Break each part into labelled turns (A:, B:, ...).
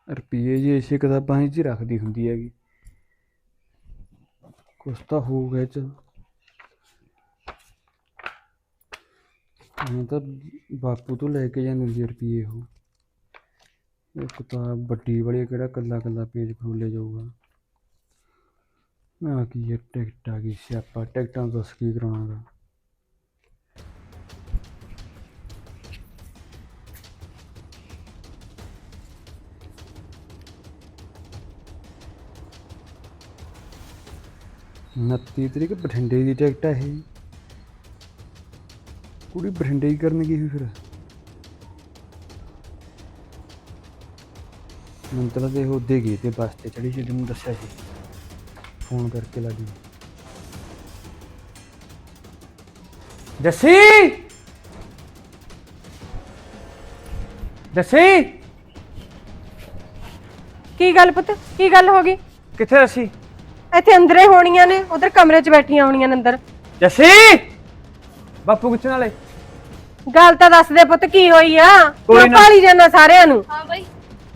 A: ਰੁਪਈਏ ਜੀ ਇਸੇ ਕਿਤਾਬਾਂ 'ਚ ਹੀ ਰੱਖਦੀ ਹੁੰਦੀ ਹੈਗੀ। ਕੁਛ ਤਾਂ ਹੋਊਗਾ ਇਹ 'ਚ। ਹੁਣ ਤਾਂ ਬਾਪੂ ਤੋਂ ਲੈ ਕੇ ਜਾਂਦੀ ਹੁੰਦੀ ਆ ਰੁਪਈਏ ਉਹ। ਇਹ ਕਿਤਾਬ ਵੱਡੀ ਵਾਲੀ ਕਿਹੜਾ ਕੱਲਾ ਕੱਲਾ ਪੇਜ ਫਰੋਲੇ ਜਾਊਗਾ। ਆ ਕੀ ਹੈ, ਟਿਕਟ ਆ ਗਈ ਸਿਆਪਾ। ਟਿਕਟਾਂ ਦੱਸ ਕੀ ਕਰਾਉਣਾ ਗਾ। उनती तरीक बठिंडे की टिकट है। कुड़ी बठिंडे की करन गई फिर मंतला तो उदे गए थे बस से चढ़ी जी मैं दसिया सी फोन करके लगी। जस्सी जस्सी
B: की गल पुत की गल हो गई?
A: किथे जस्सी?
B: ਇੱਥੇ ਅੰਦਰੇ ਹੋਣੀਆਂ ਨੇ, ਉਧਰ ਕਮਰੇ 'ਚ ਬੈਠੀਆਂ ਹੋਣੀਆਂ ਨੇ ਅੰਦਰ।
A: ਜੱਸੀ ਬਾਪੂ ਕਿੱਥੇ ਨਾਲੇ?
B: ਗੱਲ ਤਾਂ ਦੱਸ ਦੇ ਪੁੱਤ ਕੀ ਹੋਈ ਆ? ਕਿਉਂ ਭਾਲੀ ਜਾਂਦਾ ਸਾਰਿਆਂ ਨੂੰ?
C: ਹਾਂ ਬਾਈ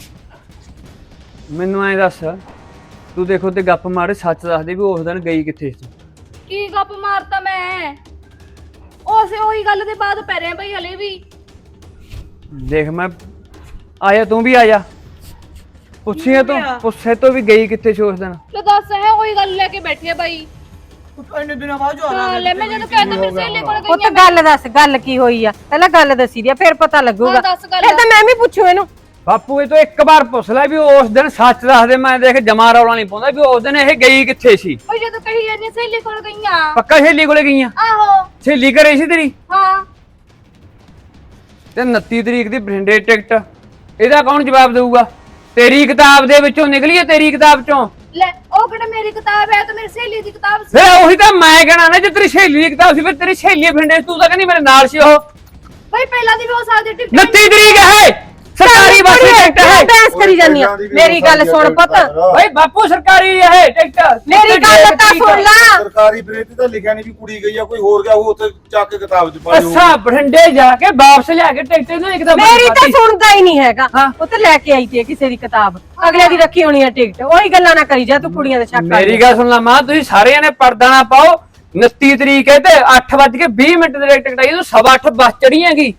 A: ਮੈਨੂੰ ਐਂ ਦੱਸ, ਤੂੰ ਦੇਖੋ ਤੇ ਗੱਪ ਮਾਰੇ, ਸੱਚ ਦੱਸ ਦੇ ਵੀ ਉਸ ਦਿਨ ਗਈ ਕਿੱਥੇ ਸੀ?
C: ਕੀ ਗੱਪ ਮਾਰਤਾ ਮੈਂ? ਉਹੀ ਗੱਲ ਦੇ ਬਾਅਦ ਪੈ ਰਿਹਾ ਬਾਈ ਹਲੇ ਵੀ।
A: ਦੇਖ ਮੈਂ ਆਇਆ, ਤੂੰ ਵੀ ਆ ਜਾ। ਪੁੱਛੇ ਤੋਂ ਵੀ ਗਈ ਕਿੱਥੇ ਸੀ ਉਸ ਦਿਨ?
C: ਲੈ ਦੱਸ ਹੈ, ਉਹੀ ਗੱਲ ਲੈ ਕੇ ਬੈਠੀ ਆ ਬਾਈ।
D: ਇੰਨੇ ਦਿਨਾਂ ਬਾਅਦ ਜੋ ਆਣਾ
C: ਲੈ ਮੈਂ ਜਦੋਂ ਕਹਿੰਦਾ ਮੇਰੇ ਸਹੇਲੀ ਕੋਲ ਗਈ
B: ਪੁੱਤ ਗੱਲ ਦੱਸ, ਗੱਲ ਕੀ ਹੋਈ ਆ? ਪਹਿਲਾਂ ਗੱਲ ਦੱਸੀ ਦੀ ਆ, ਫਿਰ ਪਤਾ ਲੱਗੂਗਾ।
C: ਹਾਂ ਦੱਸ ਗੱਲ।
B: ਫਿਰ ਤਾਂ ਮੈਂ ਵੀ ਪੁੱਛੂ ਇਹਨੂੰ।
A: ਬਾਪੂ ਇਹ ਤੋਂ ਇੱਕ ਵਾਰ ਪੁੱਛ ਲੈ ਵੀ ਉਸ ਦਿਨ ਸੱਚ ਦੱਸ ਦੇ। ਮੈਂ ਦੇਖ ਜਮਾ ਰੌਲਾ ਨਹੀਂ ਪਾਉਂਦਾ ਵੀ ਉਸ ਦਿਨ ਇਹ ਗਈ ਕਿੱਥੇ ਸੀ।
C: ਉਹ ਜਦੋਂ ਕਹੀ ਜਾਂਦੀ ਸਹੇਲੀ ਕੋਲ ਗਈਆਂ।
A: ਪੱਕਾ ਸਹੇਲੀ ਕੋਲੇ ਗਈਆਂ?
C: ਆਹੋ
A: ਸਹੇਲੀ ਘਰੇ ਸੀ ਤੇਰੀ?
C: ਹਾਂ।
A: ਤੇ 29 ਤਰੀਕ ਦੀ ਬਠਿੰਡੇ ਟਿਕਟ, ਇਹਦਾ ਕੌਣ ਜਵਾਬ ਦੇਊਗਾ? ਤੇਰੀ ਕਿਤਾਬ ਦੇ ਵਿੱਚੋਂ ਨਿਕਲੀ ਹੈ, ਤੇਰੀ ਕਿਤਾਬ ਚੋਂ।
C: ਲੈ ਉਹ ਕਿਹੜਾ ਮੇਰੀ ਕਿਤਾਬ ਹੈ, ਤੇ ਮੇਰੀ ਸਹੇਲੀ ਦੀ ਕਿਤਾਬ ਸੀ।
A: ਫਿਰ ਉਹੀ ਤਾਂ ਮੈਂ ਕਹਿਣਾ ਨਾ, ਜੇ ਤੇਰੀ ਸਹੇਲੀ ਦੀ ਕਿਤਾਬ ਸੀ ਫਿਰ ਤੇਰੀ ਸਹੇਲੀ ਬਠਿੰਡੇ, ਤੂੰ ਤਾਂ ਕਹਿੰਦੀ ਮੇਰੇ ਨਾਲ ਸੀ ਉਹ।
C: ਬਾਈ ਪਹਿਲਾਂ ਦੀ ਵੀ ਹੋ ਸਕਦੀ ਟਿਕਟ।
A: 29 ਤਰੀਕ ਹੈ, ਸਰਕਾਰੀ ਬੱਸ ਦੀ ਟਿਕਟ ਹੈ।
B: ਬਹਿਸ ਕਰੀ ਜਾਂਦੀ ਆ। ਮੇਰੀ ਗੱਲ ਸੁਣ ਪੁੱਤ।
A: ਓਏ ਬਾਪੂ ਸਰਕਾਰੀ ਹੈ ਟਿਕਟ।
B: ਮੇਰੀ ਗੱਲ ਤਾਂ ਸੁਣ ਲੈ।
E: ਸਰਕਾਰੀ ਬਰੇਤੀ ਤਾਂ ਲਿਖਿਆ ਨਹੀਂ ਵੀ ਕੁੜੀ ਗਈ ਆ, ਕੋਈ ਹੋਰ ਗਿਆ ਉਹ ਉੱਥੇ ਚੱਕ ਕੇ ਕਿਤਾਬ 'ਚ ਪਾ ਲਿਓ।
A: ਅੱਛਾ ਬਠਿੰਡੇ ਜਾ ਕੇ ਵਾਪਸ ਲਿਆ ਕੇ ਟਿਕਟ ਇਹਨਾਂ ਦੀ ਕਿਤਾਬ।
B: ਮੇਰੀ ਤਾਂ ਸੁਣਦਾ ਹੀ ਨਹੀਂ ਹੈਗਾ।
A: ਹਾਂ।
B: ਉਹ ਤਾਂ ਲੈ ਕੇ ਆਈ ਤੇ ਕਿਸੇ ਦੀ ਕਿਤਾਬ, ਅਗਲੇ ਦੀ ਰੱਖੀ ਹੋਣੀ ਆ ਟਿਕਟ। ਉਹੀ ਗੱਲਾਂ ਨਾ ਕਰੀ ਜਾ ਤੂੰ, ਕੁੜੀਆਂ ਦੇ ਸ਼ੱਕ ਕਰ।
A: ਮੇਰੀ ਗੱਲ ਸੁਣ ਲੈ ਮਾਂ, ਤੁਸੀਂ ਸਾਰਿਆਂ ਨੇ ਪਰਦਾ ਨਾ ਪਾਓ। 29 ਤਰੀਕ ਹੈ ਤੇ 8:20 ਦੇ ਟਿਕਟ ਆਈ, ਤੂੰ 8:15 ਬੱਸ ਚੜੀ ਹੈਗੀ।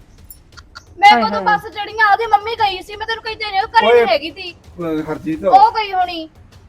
C: ਮੈਂ ਕਦੋਂ ਬੱਸ ਚੜੀਆਂ? ਉਹਦੀ ਮੰਮੀ ਗਈ ਸੀ, ਮੈਂ ਤੈਨੂੰ ਕਹੀ ਤੇ ਨਹੀਂ, ਉਹ ਘਰੇ ਨਹੀਂ ਹੈਗੀ ਸੀ।
E: ਹਰਜੀਤ
C: ਉਹ ਗਈ ਹੋਣੀ।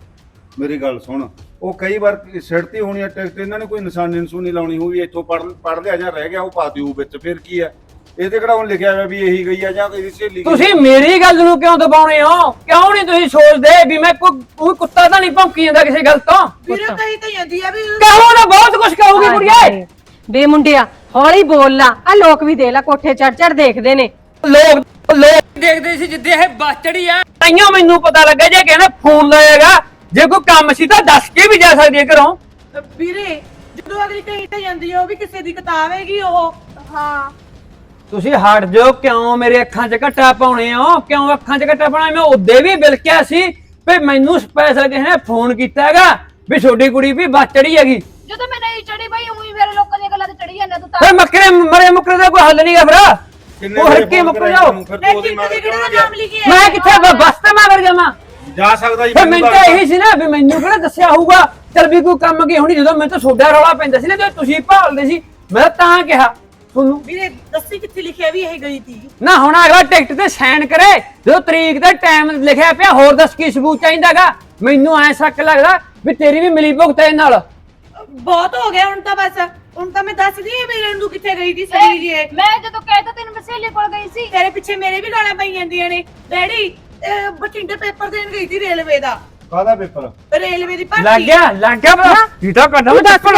E: ਮੇਰੀ ਗੱਲ ਸੁਣ, ਉਹ ਕਈ ਵਾਰ ਸਿੜਤੀ ਹੋਣੀ ਆ ਟਿਕਟ, ਇਹਨਾਂ ਨੇ ਕੋਈ ਨਿਸ਼ਾਨੀ ਨਸੂਨੀ ਲਾਉਣੀ ਹੋਊਗੀ, ਇੱਥੋਂ ਪੜ ਲਿਆ ਜਾਂ ਰਹਿ ਗਿਆ ਉਹ ਪਾ ਦਿਓ ਵਿੱਚ। ਫਿਰ ਕੀ ਆ ਇਹਦੇ ਕਿਹੜਾ ਹੁਣ ਲਿਖਿਆ ਹੋਇਆ ਵੀ ਇਹੀ ਗਈ ਆ ਜਾਂ ਕੋਈ ਸਹੇਲੀ?
A: ਤੁਸੀਂ ਮੇਰੀ ਗੱਲ ਨੂੰ ਕਿਉਂ ਦਬਾਉਣੇ ਹੋ? ਕਿਉਂ ਨਹੀਂ ਤੁਸੀਂ ਸੋਚਦੇ ਵੀ ਮੈਂ ਕੋਈ ਕੁੱਤਾ ਤਾਂ ਨਹੀਂ ਭੌਂਕੀ ਜਾਂਦਾ ਕਿਸੇ ਗੱਲ ਤੋਂ?
D: ਵੀਰੇ ਕਹੀ ਤਾਂ ਜਾਂਦੀ ਆ ਵੀ
A: ਕਹੋ ਨਾ, ਬਹੁਤ ਕੁਝ ਕਹੂਗੀ ਕੁੜੀਏ।
B: ਬੇ ਮੁੰਡਿਆ ਹੌਲੀ ਬੋਲ ਲਾ। ਆ ਲੋਕ ਵੀ ਦੇਖ ਲਾ, ਕੋਠੇ ਚੜ ਚੜ ਦੇਖਦੇ ਨੇ।
A: ਲੋਕ ਦੇਖਦੇ ਸੀ ਜਿੱਦੇ ਇਹ ਬੱਸ ਚੜੀ ਆ, ਤਾਈਓ ਮੈਨੂੰ ਪਤਾ ਲੱਗਾ। ਜੇ ਕਹਿੰਦਾ ਫੋਨ ਲਾਏਗਾ, ਜੇ ਕੋਈ ਕੰਮ ਸੀ ਤਾਂ ਦੱਸ ਕੇ ਵੀ ਜਾ ਸਕਦੀ ਹੈ ਘਰੋਂ।
D: ਵੀਰੇ ਜਦੋਂ ਅਗਲੀ ਕਹੀ ਤਾਂ ਜਾਂਦੀ ਆ ਉਹ ਵੀ ਕਿਸੇ ਦੀ ਕਿਤਾਬ ਹੈਗੀ ਉਹ।
C: ਹਾਂ
A: ਤੁਸੀਂ ਹਟ ਜਾਓ, ਕਿਉਂ ਮੇਰੇ ਅੱਖਾਂ 'ਚ ਘੱਟਾ ਪਾਉਣੇ ਹੋ? ਕਿਉਂ ਅੱਖਾਂ 'ਚ ਘੱਟਾ ਪਾਉਣਾ? ਮੈਂ ਉਦੋਂ ਵੀ ਬਿਲਕਿਆ ਸੀ ਵੀ ਮੈਨੂੰ ਸਪੈਸ਼ਲ ਕਿਸੇ ਨੇ ਫੋਨ ਕੀਤਾ ਹੈਗਾ ਵੀ ਛੋਟੀ ਕੁੜੀ ਵੀ ਬੱਸ ਚੜੀ ਹੈਗੀ।
C: ਜਦੋਂ ਮੈਂ ਨਹੀਂ ਚੜੀ ਬਾਈ, ਉਹੀ ਮੇਰੇ ਲੋਕਾਂ ਦੀਆਂ ਗੱਲਾਂ ਤੇ ਚੜੀ ਜਾਂਦਾ ਤੂੰ ਤਾਂ।
A: ਫਿਰ ਮਰੇ ਮੁੱਕਰੇ ਦਾ ਕੋਈ ਹੱਲ ਨਹੀਂਗਾ। ਫਿਰ ਉਹ ਹਰ ਕੀ ਮੁੱਕ ਜਾਓ।
D: ਕਿਹੜਾ ਨਾਮ ਲਿਖਿਆ?
A: ਮੈਂ ਕਿੱਥੇ ਬੱਸ ਤੇ ਮੈਂ ਵਰ ਜਾਵਾਂ?
E: ਜਾ ਸਕਦਾ ਜੀ।
A: ਫਿਰ ਮੈਨੂੰ ਤਾਂ ਇਹੀ ਸੀ ਨਾ ਵੀ ਮੈਨੂੰ ਕਿਹੜਾ ਦੱਸਿਆ ਹੋਊਗਾ। ਚਲ ਵੀ ਕੋਈ ਕੰਮ ਕੀ ਹੋਣੀ, ਜਦੋਂ ਮੈਨੂੰ ਤਾਂ ਸੋਡਾ ਰੌਲਾ ਪੈਂਦਾ ਸੀ ਨਾ, ਜਦੋਂ ਤੁਸੀਂ ਭਾਲਦੇ ਸੀ, ਮੈਂ ਤਾਂ ਕਿਹਾ ਤੁਹਾਨੂੰ।
D: ਵੀਰੇ ਦੱਸੀ ਕਿੱਥੇ ਲਿਖਿਆ ਵੀ ਇਹ ਗਈ ਸੀ?
A: ਨਾ ਹੁਣ ਅਗਲਾ ਟਿਕਟ ਤੇ ਸਾਈਨ ਕਰੇ, ਜਦੋਂ ਤਰੀਕ ਦਾ ਟਾਈਮ ਲਿਖਿਆ ਪਿਆ, ਹੋਰ ਦੱਸ ਕੀ ਸਬੂਤ ਚਾਹੀਦਾਗਾ? ਮੈਨੂੰ ਐ ਸ਼ੱਕ ਲੱਗਦਾ ਵੀ ਤੇਰੀ ਵੀ ਮਿਲੀ ਭੁਗਤ ਇਹ ਨਾਲ।
D: ਬਹੁਤ ਹੋ ਗਿਆ ਹੁਣ ਤਾਂ, ਬਸ ਹੁਣ ਤਾਂ ਮੈਂ ਦੱਸਦੀ ਆ ਵੀਰੇ ਨੂੰ ਕਿੱਥੇ ਗਈ ਸੀ ਸਹੀ ਜੀ।
C: ਮੈਂ ਜਦੋਂ ਕਹਿਤਾ ਤੈਨੂੰ ਮੈਂ ਸਹੇਲੀ ਕੋਲ ਗਈ ਸੀ।
D: ਤੇਰੇ ਪਿੱਛੇ ਮੇਰੇ ਵੀ ਗਾਲਾਂ ਪਈ ਜਾਂਦੀਆਂ ਨੇ। ਡੈਡੀ ਬਠਿੰਡੇ ਪੇਪਰ ਦੇਣ ਗਈ ਸੀ ਰੇਲਵੇ ਦਾ।
E: ਕਾਹਦਾ ਪੇਪਰ?
D: ਰੇਲਵੇ ਦੀ ਭਰਤੀ।
A: ਲੱਗ ਗਿਆ ਪਤਾ? ਇਹ ਤਾਂ ਕਰਦਾ ਮੈਂ ਦੱਸ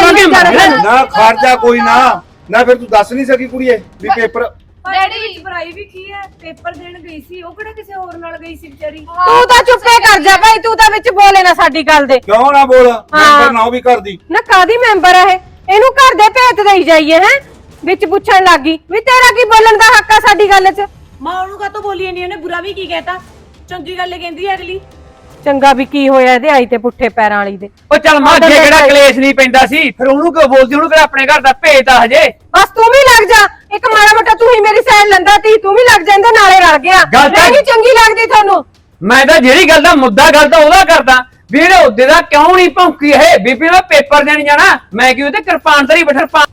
E: ਨਾ ਖਰਚਾ ਕੋਈ ਨਾ ਫਿਰ ਤੂੰ ਦੱਸ ਨਹੀਂ ਸਕੀ ਕੁੜੀਏ ਵੀ ਪੇਪਰ?
C: ਡੈਡੀ
F: ਪੜਾਈ ਵੀ ਕੀ ਹੈ, ਪੇਪਰ ਦੇਣ ਗਈ ਸੀ, ਉਹ ਕਿਹੜਾ ਕਿਸੇ ਹੋਰ ਨਾਲ ਗਈ ਸੀ ਵਿਚਾਰੀ।
B: ਤੂੰ ਤਾਂ ਚੁੱਪੇ ਕਰ ਜਾ ਭਾਈ, ਤੂੰ ਤਾਂ ਵਿੱਚ ਬੋਲੇ ਨਾ ਸਾਡੀ ਗੱਲ ਦੇ।
E: ਕਿਉਂ ਨਾ ਬੋਲ? ਮੈਂਬਰ ਨਾ ਉਹ ਵੀ ਕਰਦੀ
B: ਨਾ ਕਾਦੀ ਮੈਂਬਰ ਆ ਇਹ? ਇਹਨੂੰ ਘਰ ਦੇ ਭੇਤ ਦੇਈ ਜਾਈਏ ਹੈ? ਵਿੱਚ ਪੁੱਛਣ ਲੱਗੀ ਵੀ ਤੇਰਾ ਕੀ ਬੋਲਣ ਦਾ ਹੱਕ ਆ ਸਾਡੀ ਗੱਲ 'ਚ?
D: ਮਾਂ ਉਹਨੂੰ ਕਾਹਤੋਂ ਬੋਲੀ ਨਹੀਂ? ਉਹਨੇ ਬੁਰਾ ਵੀ ਕੀ ਕਹਿਤਾ? ਚੰਗੀ ਗੱਲ ਕਹਿੰਦੀ ਹੈ ਅਗਲੀ।
B: ਚੰਗਾ ਵੀ ਕੀ ਹੋਇਆ ਇਹਦੇ ਆਈ ਤੇ ਪੁੱਠੇ ਪੈਰਾਂ ਵਾਲੀ ਦੇ।
A: ਉਹ ਚੱਲ ਮਾਂ, ਜੇ ਕਿਹੜਾ ਕਲੇਸ਼ ਨਹੀਂ ਪੈਂਦਾ ਸੀ ਫਿਰ ਉਹਨੂੰ ਕਿਉਂ ਬੋਲਦੀ? ਉਹਨੂੰ ਕਿਹੜਾ ਆਪਣੇ ਘਰ ਦਾ ਭੇਤ ਆ ਹਜੇ?
B: ਬਸ ਤੂੰ ਵੀ ਲੱਗ ਜਾ, ਇੱਕ ਮਾੜਾ ਮੋਟਾ ਤੂੰ ਹੀ ਮੇਰੀ ਸਾਈਡ ਲੰਦਾ ਤੀ, ਤੂੰ ਵੀ ਲੱਗ ਜਾ, ਇਹਦੇ ਨਾਲੇ ਰਲ ਗਿਆ।
A: ਗੱਲ ਤਾਂ-
B: ਮੈਂ ਨਹੀਂ ਚੰਗੀ ਲੱਗਦੀ ਤੁਹਾਨੂੰ?
A: ਮੈਂ ਤਾਂ ਜਿਹੜੀ ਗੱਲ ਦਾ ਮੁੱਦਾ ਗੱਲ ਤਾਂ ਉਹਦਾ ਕਰਦਾ ਵੀ ਇਹਦੇ ਉਹਦੇ ਦਾ ਕਿਉਂ ਨਹੀਂ ਭੌਂਕੀ ਇਹ ਬੀਬੀ ਮੈਂ ਪੇਪਰ ਦੇਣ ਜਾਣਾ ਮੈਂ ਕਿਉਂ ਤੇ ਕਿਰਪਾਨ ਤੇਰੀ ਬੈਠਰ ਪਾ